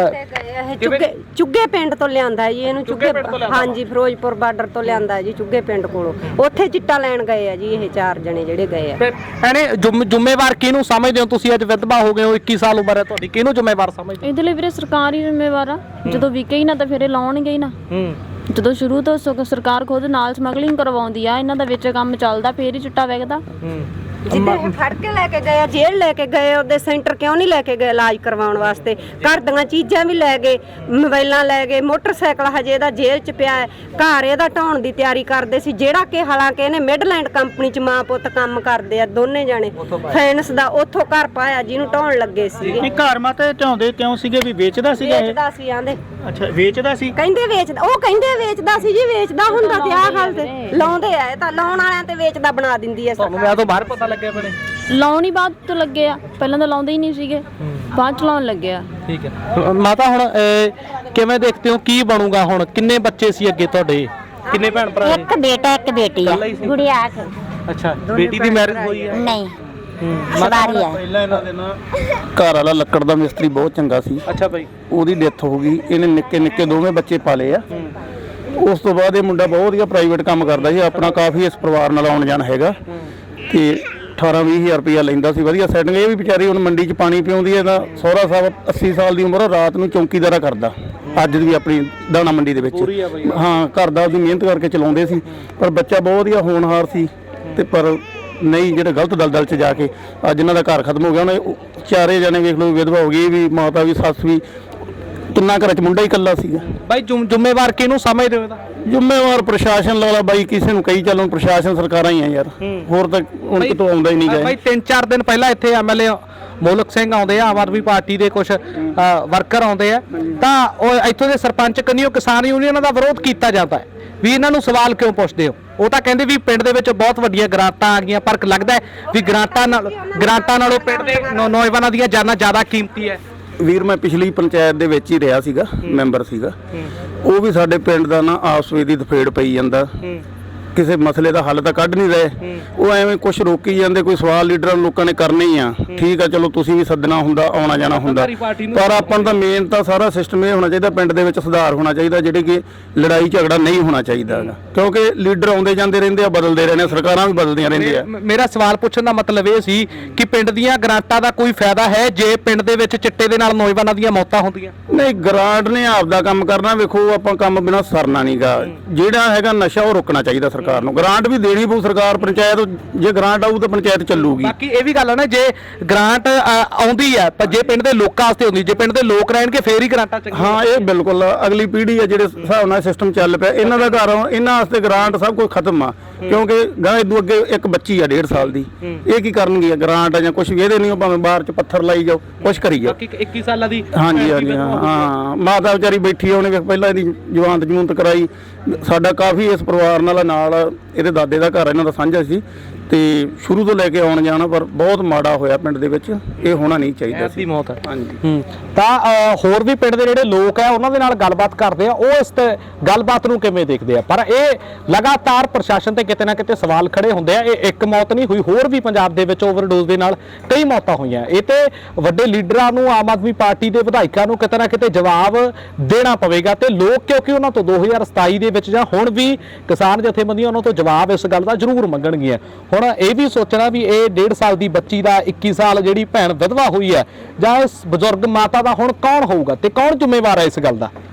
Speaker 4: ਇਹ ਚੁੱਗੇ ਚੁੱਗੇ ਪਿੰਡ ਤੋਂ ਲਿਆਂਦਾ ਹੈ ਜੀ ਇਹਨੂੰ। ਚੁੱਗੇ ਹਾਂਜੀ, ਫਿਰੋਜ਼ਪੁਰ ਬਾਰਡਰ ਤੋਂ ਲਿਆਂਦਾ ਹੈ ਜੀ, ਚੁੱਗੇ ਪਿੰਡ ਕੋਲੋਂ। ਉੱਥੇ ਚਿੱਟਾ ਲੈਣ ਗਏ ਆ ਜੀ ਇਹ ਚਾਰ ਜਣੇ ਜਿਹੜੇ ਗਏ ਆ।
Speaker 1: ਐਨੇ ਜ਼ਿੰਮੇਵਾਰ ਕਿਹਨੂੰ ਸਮਝਦੇ ਹੋ ਤੁਸੀਂ? ਅੱਜ ਵਿਧਵਾ ਹੋ ਗਏ ਹੋ, ਇੱਕੀ ਸਾਲ ਉਮਰ ਹੈ ਤੁਹਾਡੀ, ਕਿਹਨੂੰ ਜ਼ਿੰਮੇਵਾਰ ਸਮਝਦੇ ਹੋ?
Speaker 2: ਇਹਦੇ ਲਈ ਵੀਰੇ ਸਰਕਾਰ ਹੀ ਜ਼ਿੰਮੇਵਾਰ ਆ। ਜਦੋਂ ਵਿਕੇ ਹੀ ਨਾ ਤਾਂ ਫਿਰ ਇਹ ਲਾਉਣਗੇ ਹੀ ਨਾ।
Speaker 1: ਹੂੰ,
Speaker 2: ਜਦੋਂ ਸ਼ੁਰੂ ਤੋਂ ਸਗੋਂ ਸਰਕਾਰ ਖੁਦ ਨਾਲ ਸਮਗਲਿੰਗ ਕਰਵਾਉਂਦੀ ਆ, ਇਹਨਾਂ ਦਾ ਵਿੱਚ ਕੰਮ ਚੱਲਦਾ, ਫੇਰ ਹੀ ਚਿੱਟਾ ਵਿਕਦਾ।
Speaker 1: ਹੂੰ।
Speaker 4: ਜਿੱਦੇ ਇਹ ਫੜ ਕੇ ਲੈ ਕੇ ਗਏ ਆ, ਜੇਲ੍ਹ ਲੈ ਕੇ ਗਏ, ਉਹਦੇ ਸੈਂਟਰ ਕਿਉਂ ਨਹੀਂ ਲੈ ਕੇ ਗਏ ਇਲਾਜ ਕਰਵਾਉਣ ਵਾਸਤੇ? ਘਰ ਦੀਆਂ ਚੀਜ਼ਾਂ ਵੀ ਲੈ ਗਏ, ਮੋਬਾਈਲਾਂ ਲੈ ਗਏ, ਮੋਟਰਸਾਈਕਲ ਹਜੇ ਇਹਦਾ ਜੇਲ੍ਹ 'ਚ ਪਿਆ ਹੈ। ਘਰ ਇਹਦਾ ਢਾਉਣ ਦੀ ਤਿਆਰੀ ਕਰਦੇ ਸੀ, ਜਿਹੜਾ ਕਿ ਹਾਲਾਂਕਿ ਇਹਨੇ ਮਿਡਲੈਂਡ ਕੰਪਨੀ 'ਚ ਮਾਂ ਪੁੱਤ ਕੰਮ ਕਰਦੇ ਆ ਦੋਨੇ ਜਾਣੇ। ਫਾਈਨੈਂਸ ਦਾ ਉੱਥੋਂ ਘਰ ਪਾਇਆ ਜਿਹਨੂੰ ਢਾਉਣ ਲੱਗੇ ਸੀਗੇ।
Speaker 5: ਨਹੀਂ, ਘਰ ਮਾ ਤੇ ਢਾਉਂਦੇ ਕਿਉਂ ਸੀਗੇ ਵੀ ਵੇਚਦਾ ਸੀਗਾ ਇਹ?
Speaker 4: ਵੇਚਦਾ ਸੀ ਆਂਦੇ।
Speaker 5: ਅੱਛਾ, ਵੇਚਦਾ ਸੀ।
Speaker 4: ਕਹਿੰਦੇ ਵੇਚਦਾ, ਉਹ ਕਹਿੰਦੇ ਵੇਚਦਾ ਸੀ ਜੀ, ਵੇਚਦਾ ਹੁੰਦਾ ਤੇ ਆਹ ਗੱਲ ਤੇ ਲਾਉਂਦੇ ਆ। ਇਹ ਤਾਂ ਲਾਉਣ ਵਾਲਿਆਂ ਤੇ ਵੇਚਦਾ ਬਣਾ ਦਿੰਦੀ ਐ
Speaker 1: ਤੁਹਾਨੂੰ ਮੈਂ ਤੋਂ ਬਾਹਰ ਪਤਾ ਲੱਗਿਆ ਬਣੇ
Speaker 2: ਲਾਉਣ ਹੀ ਬਾਅਦ ਤੋਂ ਲੱਗੇ ਆ, ਪਹਿਲਾਂ ਤਾਂ ਲਾਉਂਦੇ ਹੀ ਨਹੀਂ ਸੀਗੇ, ਬਾਅਦ ਚ ਲਾਉਣ ਲੱਗੇ ਆ।
Speaker 1: ਠੀਕ ਹੈ ਮਾਤਾ, ਹੁਣ ਅਹ, ਕਿਵੇਂ ਦੇਖਦੇ ਹੋ ਕੀ ਬਣੂਗਾ ਹੁਣ? ਕਿੰਨੇ ਬੱਚੇ ਸੀ ਅੱਗੇ ਤੁਹਾਡੇ? ਕਿੰਨੇ ਭੈਣ ਭਰਾ ਨੇ?
Speaker 3: ਇੱਕ ਬੇਟਾ ਇੱਕ ਬੇਟੀ ਆ, ਗੁੜੀਆ ਆ ਕੇ।
Speaker 1: ਅੱਛਾ, ਬੇਟੀ ਦੀ ਮੈਰਿਜ ਹੋਈ ਹੈ?
Speaker 3: ਨਹੀਂ, ਸਵਾਰੀ ਆ।
Speaker 5: ਪਹਿਲਾਂ ਇਹਨਾਂ ਦੇ ਨਾਲ
Speaker 6: ਘਰ ਵਾਲਾ ਲੱਕੜ ਦਾ ਮਿਸਤਰੀ ਬਹੁਤ ਚੰਗਾ ਸੀ।
Speaker 1: ਅੱਛਾ ਭਾਈ,
Speaker 6: ਉਹਦੀ ਡੈਥ ਹੋ ਗਈ। ਇਹਨੇ ਨਿੱਕੇ ਨਿੱਕੇ ਦੋਵੇਂ ਬੱਚੇ ਪਾਲੇ ਆ। ਉਸ ਤੋਂ ਬਾਅਦ ਇਹ ਮੁੰਡਾ ਬਹੁਤ ਵਧੀਆ ਪ੍ਰਾਈਵੇਟ ਕੰਮ ਕਰਦਾ ਸੀ, ਆਪਣਾ ਕਾਫੀ ਇਸ ਪਰਿਵਾਰ ਨਾਲ ਆਉਣ ਜਾਣ ਹੈਗਾ ਤੇ ਅਠਾਰਾਂ ਵੀਹ ਹਜ਼ਾਰ ਰੁਪਇਆ ਲੈਂਦਾ ਸੀ, ਵਧੀਆ ਸੈਟਿੰਗ। ਇਹ ਵੀ ਵਿਚਾਰੀ ਹੁਣ ਮੰਡੀ 'ਚ ਪਾਣੀ ਪਿਆਉਂਦੀ ਹੈ। ਇਹਦਾ ਸਹੁਰਾ ਸਾਹਿਬ ਅੱਸੀ ਸਾਲ ਦੀ ਉਮਰ, ਰਾਤ ਨੂੰ ਚੌਂਕੀਦਾਰਾ ਕਰਦਾ ਅੱਜ ਵੀ ਆਪਣੀ ਦਾਣਾ ਮੰਡੀ ਦੇ ਵਿੱਚ। ਹਾਂ, ਘਰ ਦਾ ਉਹਦੀ ਮਿਹਨਤ ਕਰਕੇ ਚਲਾਉਂਦੇ ਸੀ, ਪਰ ਬੱਚਾ ਬਹੁਤ ਵਧੀਆ ਹੋਣਹਾਰ ਸੀ ਤੇ ਪਰ ਨਹੀਂ ਜਿਹੜੇ ਗਲਤ ਦਲਦਲ 'ਚ ਜਾ ਕੇ ਅੱਜ ਇਹਨਾਂ ਦਾ ਘਰ ਖਤਮ ਹੋ ਗਿਆ। ਉਹਨੇ ਉਹ ਚਾਰੇ ਜਣੇ ਵੇਖ ਲਓ, ਵਿਧਵਾ ਹੋ ਗਈ, ਇਹ ਵੀ ਮਾਤਾ ਵੀ ਸੱਸ ਵੀ, ਤਿੰਨਾਂ ਘਰਾਂ 'ਚ ਮੁੰਡਾ ਹੀ ਇਕੱਲਾ ਸੀਗਾ।
Speaker 1: ਬਾਈ ਜ਼ਿੰਮ- ਜ਼ਿੰਮੇਵਾਰ ਕਿਹਨੂੰ ਸਮਝਦੇ ਹੋ ਇਹਦਾ?
Speaker 6: ਜ਼ਿੰਮੇਵਾਰ ਪ੍ਰਸ਼ਾਸਨ ਵਾਲਾ ਬਾਈ, ਕਿਸੇ ਨੂੰ ਕਹੀ ਚੱਲੋ, ਪ੍ਰਸ਼ਾਸਨ ਸਰਕਾਰਾਂ ਹੀ ਆ ਯਾਰ, ਹੋਰ ਤਾਂ ਹੁਣ ਕਿਤੋਂ ਆਉਂਦਾ ਹੀ ਨਹੀਂ
Speaker 1: ਬਾਈ
Speaker 6: ਗਏ।
Speaker 1: ਤਿੰਨ ਚਾਰ ਦਿਨ ਪਹਿਲਾਂ ਇੱਥੇ ਐਮਐਲਏ ਮੋਲਕ ਸਿੰਘ ਆਉਂਦੇ ਆ, ਆਮ ਆਦਮੀ ਪਾਰਟੀ ਦੇ ਕੁਝ ਵਰਕਰ ਆਉਂਦੇ ਆ, ਤਾਂ ਉਹ ਇੱਥੋਂ ਦੇ ਸਰਪੰਚ ਕੰਨਿਓ ਕਿਸਾਨ ਯੂਨੀਅਨਾਂ ਦਾ ਵਿਰੋਧ ਕੀਤਾ ਜਾਂਦਾ ਹੈ ਵੀ ਇਹਨਾਂ ਨੂੰ ਸਵਾਲ ਕਿਉਂ ਪੁੱਛਦੇ ਹੋ। ਉਹ ਤਾਂ ਕਹਿੰਦੇ ਵੀ ਪਿੰਡ ਦੇ ਵਿੱਚ ਬਹੁਤ ਵੱਡੀਆਂ ਗ੍ਰਾਂਟਾਂ ਆ ਗਈਆਂ, ਪਰ ਲੱਗਦਾ ਹੈ ਵੀ ਗ੍ਰਾਂਟਾਂ ਨਾਲ ਗ੍ਰਾਂਟਾਂ ਨਾਲੋਂ ਪਿੰਡ ਦੇ ਨੌ- ਨੌਜਵਾਨਾਂ ਦੀਆਂ ਜਾਨਾਂ ਜ਼ਿਆਦਾ ਕੀਮਤੀ ਹੈ।
Speaker 6: ਵੀਰ ਮੈਂ ਪਿਛਲੀ ਪੰਚਾਇਤ ਦੇ ਵਿੱਚ ਹੀ ਰਿਹਾ ਸੀਗਾ, ਮੈਂਬਰ ਸੀਗਾ। ਉਹ ਵੀ ਸਾਡੇ ਪਿੰਡ ਦਾ ਨਾ ਆਪਸ ਵਿੱਚ ਦੀ ਦਫੇੜ ਪਈ ਜਾਂਦਾ, ਕਿਸੇ ਮਸਲੇ ਦਾ ਹੱਲ ਤਾਂ ਕੱਢ ਨਹੀਂ ਰਹੇ। ਉਹ ਐਵੇਂ ਕੁਝ ਰੋਕੀ ਜਾਂਦੇ, ਕੋਈ ਸਵਾਲ ਲੀਡਰਾਂ ਨੂੰ ਲੋਕਾਂ ਨੇ ਕਰਨੇ ਹੀ ਆ। ਠੀਕ ਆ, ਚਲੋ ਤੁਸੀਂ ਵੀ ਸੱਦਣਾ ਹੁੰਦਾ, ਆਉਣਾ ਜਾਣਾ ਹੁੰਦਾ, ਪਰ ਆਪਾਂ ਨੂੰ ਤਾਂ ਮੇਨ ਤਾਂ ਸਾਰਾ ਸਿਸਟਮ ਇਹ ਹੋਣਾ ਚਾਹੀਦਾ, ਪਿੰਡ ਦੇ ਵਿੱਚ ਸੁਧਾਰ ਹੋਣਾ ਚਾਹੀਦਾ, ਜਿਹੜੇ ਕਿ ਲੜਾਈ ਝਗੜਾ ਨਹੀਂ ਹੋਣਾ ਚਾਹੀਦਾ ਹੈਗਾ, ਕਿਉਂਕਿ ਲੀਡਰ ਆਉਂਦੇ ਜਾਂਦੇ ਰਹਿੰਦੇ ਆ, ਬਦਲਦੇ ਰਹਿੰਦੇ ਆ, ਸਰਕਾਰਾਂ ਵੀ ਬਦਲਦੀਆਂ ਰਹਿੰਦੀਆਂ।
Speaker 1: ਮੇ- ਮੇਰਾ ਸਵਾਲ ਪੁੱਛਣ ਦਾ ਮਤਲਬ ਇਹ ਸੀ ਕਿ ਪਿੰਡ ਦੀਆਂ ਗ੍ਰਾਂਟਾਂ ਦਾ ਕੋਈ ਫਾਇਦਾ ਹੈ ਜੇ ਪਿੰਡ ਦੇ ਵਿੱਚ ਚਿੱਟੇ ਦੇ ਨਾਲ ਨੌਜਵਾਨਾਂ ਦੀਆਂ ਮੌਤਾਂ ਹੁੰਦੀਆਂ?
Speaker 6: ਨਹੀਂ, ਗ੍ਰਾਂਟ ਨੇ ਆਪਦਾ ਕੰਮ ਕਰਨਾ। ਵੇਖੋ, ਆਪਾਂ ਕੰਮ ਬਿਨਾਂ ਸਰਨਾ ਨਹੀਂਗਾ। ਜਿਹੜਾ ਹੈਗਾ ਨਸ਼ਾ ਉਹ ਰੋਕਣਾ ਚਾਹੀਦਾ ਸਰਕਾਰ ਨੂੰ। ਗ੍ਰਾਂਟ ਵੀ ਦੇਣੀ ਪਊ ਸਰਕਾਰ, ਪੰਚਾਇਤ ਜੇ ਗ੍ਰਾਂਟ ਆਊ ਤਾਂ ਪੰਚਾਇਤ ਚੱਲੂਗੀ।
Speaker 1: ਬਾਕੀ ਇਹ ਵੀ ਗੱਲ ਹੈ ਨਾ, ਜੇ ਗ੍ਰਾਂਟ ਅ, ਆਉਂਦੀ ਹੈ ਪਰ ਜੇ ਪਿੰਡ ਦੇ ਲੋਕਾਂ ਵਾਸਤੇ ਹੁੰਦੀ, ਜੇ ਪਿੰਡ ਦੇ ਲੋਕ ਰਹਿਣਗੇ ਫੇਰ ਹੀ ਗ੍ਰਾਂਟਾਂ ਚੰਗੀਆਂ।
Speaker 6: ਹਾਂ, ਇਹ ਬਿਲਕੁਲ ਅਗਲੀ ਪੀੜ੍ਹੀ ਆ, ਜਿਹੜੇ ਹਿਸਾਬ ਨਾਲ ਸਿਸਟਮ ਚੱਲ ਪਿਆ, ਇਹਨਾਂ ਦਾ ਘਰ ਇਹਨਾਂ ਵਾਸਤੇ ਗ੍ਰਾਂਟ ਸਭ ਕੁਝ ਖਤਮ ਆ, ਕਿਉਂਕਿ ਗਾਂ ਇਦੋਂ ਅੱਗੇ ਇੱਕ ਬੱਚੀ ਆ ਡੇਢ ਸਾਲ ਦੀ, ਇਹ ਕੀ ਕਰਨਗੇ ਗ੍ਰਾਂਟ ਜਾਂ ਕੁਝ ਵੀ ਇਹਦੇ ਨਹੀਂ, ਉਹ ਭਾਵੇਂ ਬਾਹਰ ਚ ਪੱਥਰ ਲਾਈ ਜਾਓ, ਕੁਝ ਕਰੀ ਜਾਓ।
Speaker 1: ਬਾਕੀ ਇੱਕੀ ਸਾਲਾਂ ਦੀ
Speaker 6: ਹਾਂਜੀ ਹਾਂਜੀ ਹਾਂ ਹਾਂ ਮਾਤਾ ਵਿਚਾਰੀ ਬੈਠੀ ਆ, ਉਹਨੇ ਵੇਖ ਪਹਿਲਾਂ ਇਹਦੀ ਜਵਾਨਤ ਜਮੂਨਤ ਕਰਾਈ। ਸਾਡਾ ਕਾਫੀ ਇਸ ਪਰਿਵਾਰ ਨਾਲ ਨਾਲ ਇਹਦੇ ਦਾਦੇ ਦਾ ਘਰ ਇਹਨਾਂ ਦਾ ਸਾਂਝਾ ਸੀ, ਤੇ ਸ਼ੁਰੂ ਤੋਂ ਲੈ ਕੇ ਆਉਣ ਜਾਣਾ, ਪਰ ਬਹੁਤ ਮਾੜਾ ਹੋਇਆ ਪਿੰਡ ਦੇ ਵਿੱਚ, ਇਹ ਹੋਣਾ ਨਹੀਂ ਚਾਹੀਦਾ
Speaker 1: ਐਸੀ ਮੌਤ ਹੈ।
Speaker 6: ਹਾਂਜੀ।
Speaker 1: ਹੂੰ ਤਾਂ ਅ, ਹੋਰ ਵੀ ਪਿੰਡ ਦੇ ਜਿਹੜੇ ਲੋਕ ਆ ਉਹਨਾਂ ਦੇ ਨਾਲ ਗੱਲਬਾਤ ਕਰਦੇ ਆ, ਉਹ ਇਸ ਤੇ ਗੱਲਬਾਤ ਨੂੰ ਕਿਵੇਂ ਦੇਖਦੇ ਆ। ਪਰ ਇਹ ਲਗਾਤਾਰ ਪ੍ਰਸ਼ਾਸਨ ਤੇ ਕਿਤੇ ਨਾ ਕਿਤੇ ਸਵਾਲ ਖੜੇ ਹੁੰਦੇ ਆ। ਇਹ ਇੱਕ ਮੌਤ ਨਹੀਂ ਹੋਈ, ਹੋਰ ਵੀ ਪੰਜਾਬ ਦੇ ਵਿੱਚ ਓਵਰਡੋਜ਼ ਦੇ ਨਾਲ ਕਈ ਮੌਤਾਂ ਹੋਈਆਂ। ਇਹ ਤੇ ਵੱਡੇ ਲੀਡਰਾਂ ਨੂੰ, ਆਮ ਆਦਮੀ ਪਾਰਟੀ ਦੇ ਵਿਧਾਇਕਾਂ ਨੂੰ ਕਿਤੇ ਨਾ ਕਿਤੇ ਜਵਾਬ ਦੇਣਾ ਪਵੇਗਾ, ਤੇ ਲੋਕ ਕਿਉਂਕਿ ਉਹਨਾਂ ਤੋਂ ਦੋ ਹਜ਼ਾਰ ਸਤਾਈ ਦੇ ਵਿੱਚ ਜਾਂ ਹੁਣ ਵੀ ਕਿਸਾਨ ਜਥੇਬੰਦੀਆਂ ਉਹਨਾਂ ਤੋਂ ਜਵਾਬ ਇਸ ਗੱਲ ਦਾ ਜ਼ਰੂਰ ਮੰਗਣਗੀਆਂ। ਹੁਣ ਇਹ ਵੀ ਸੋਚਣਾ ਵੀ ਇਹ ਡੇਢ ਸਾਲ ਦੀ ਬੱਚੀ ਦਾ ਇੱਕੀ ਸਾਲ ਜਿਹੜੀ ਭੈਣ ਵਿਧਵਾ ਹੋਈ ਹੈ, ਜਾਂ ਇਸ ਬਜ਼ੁਰਗ ਮਾਤਾ ਦਾ ਹੁਣ ਕੌਣ ਹੋਊਗਾ ਤੇ ਕੌਣ ਜ਼ਿੰਮੇਵਾਰ ਹੈ ਇਸ ਗੱਲ ਦਾ।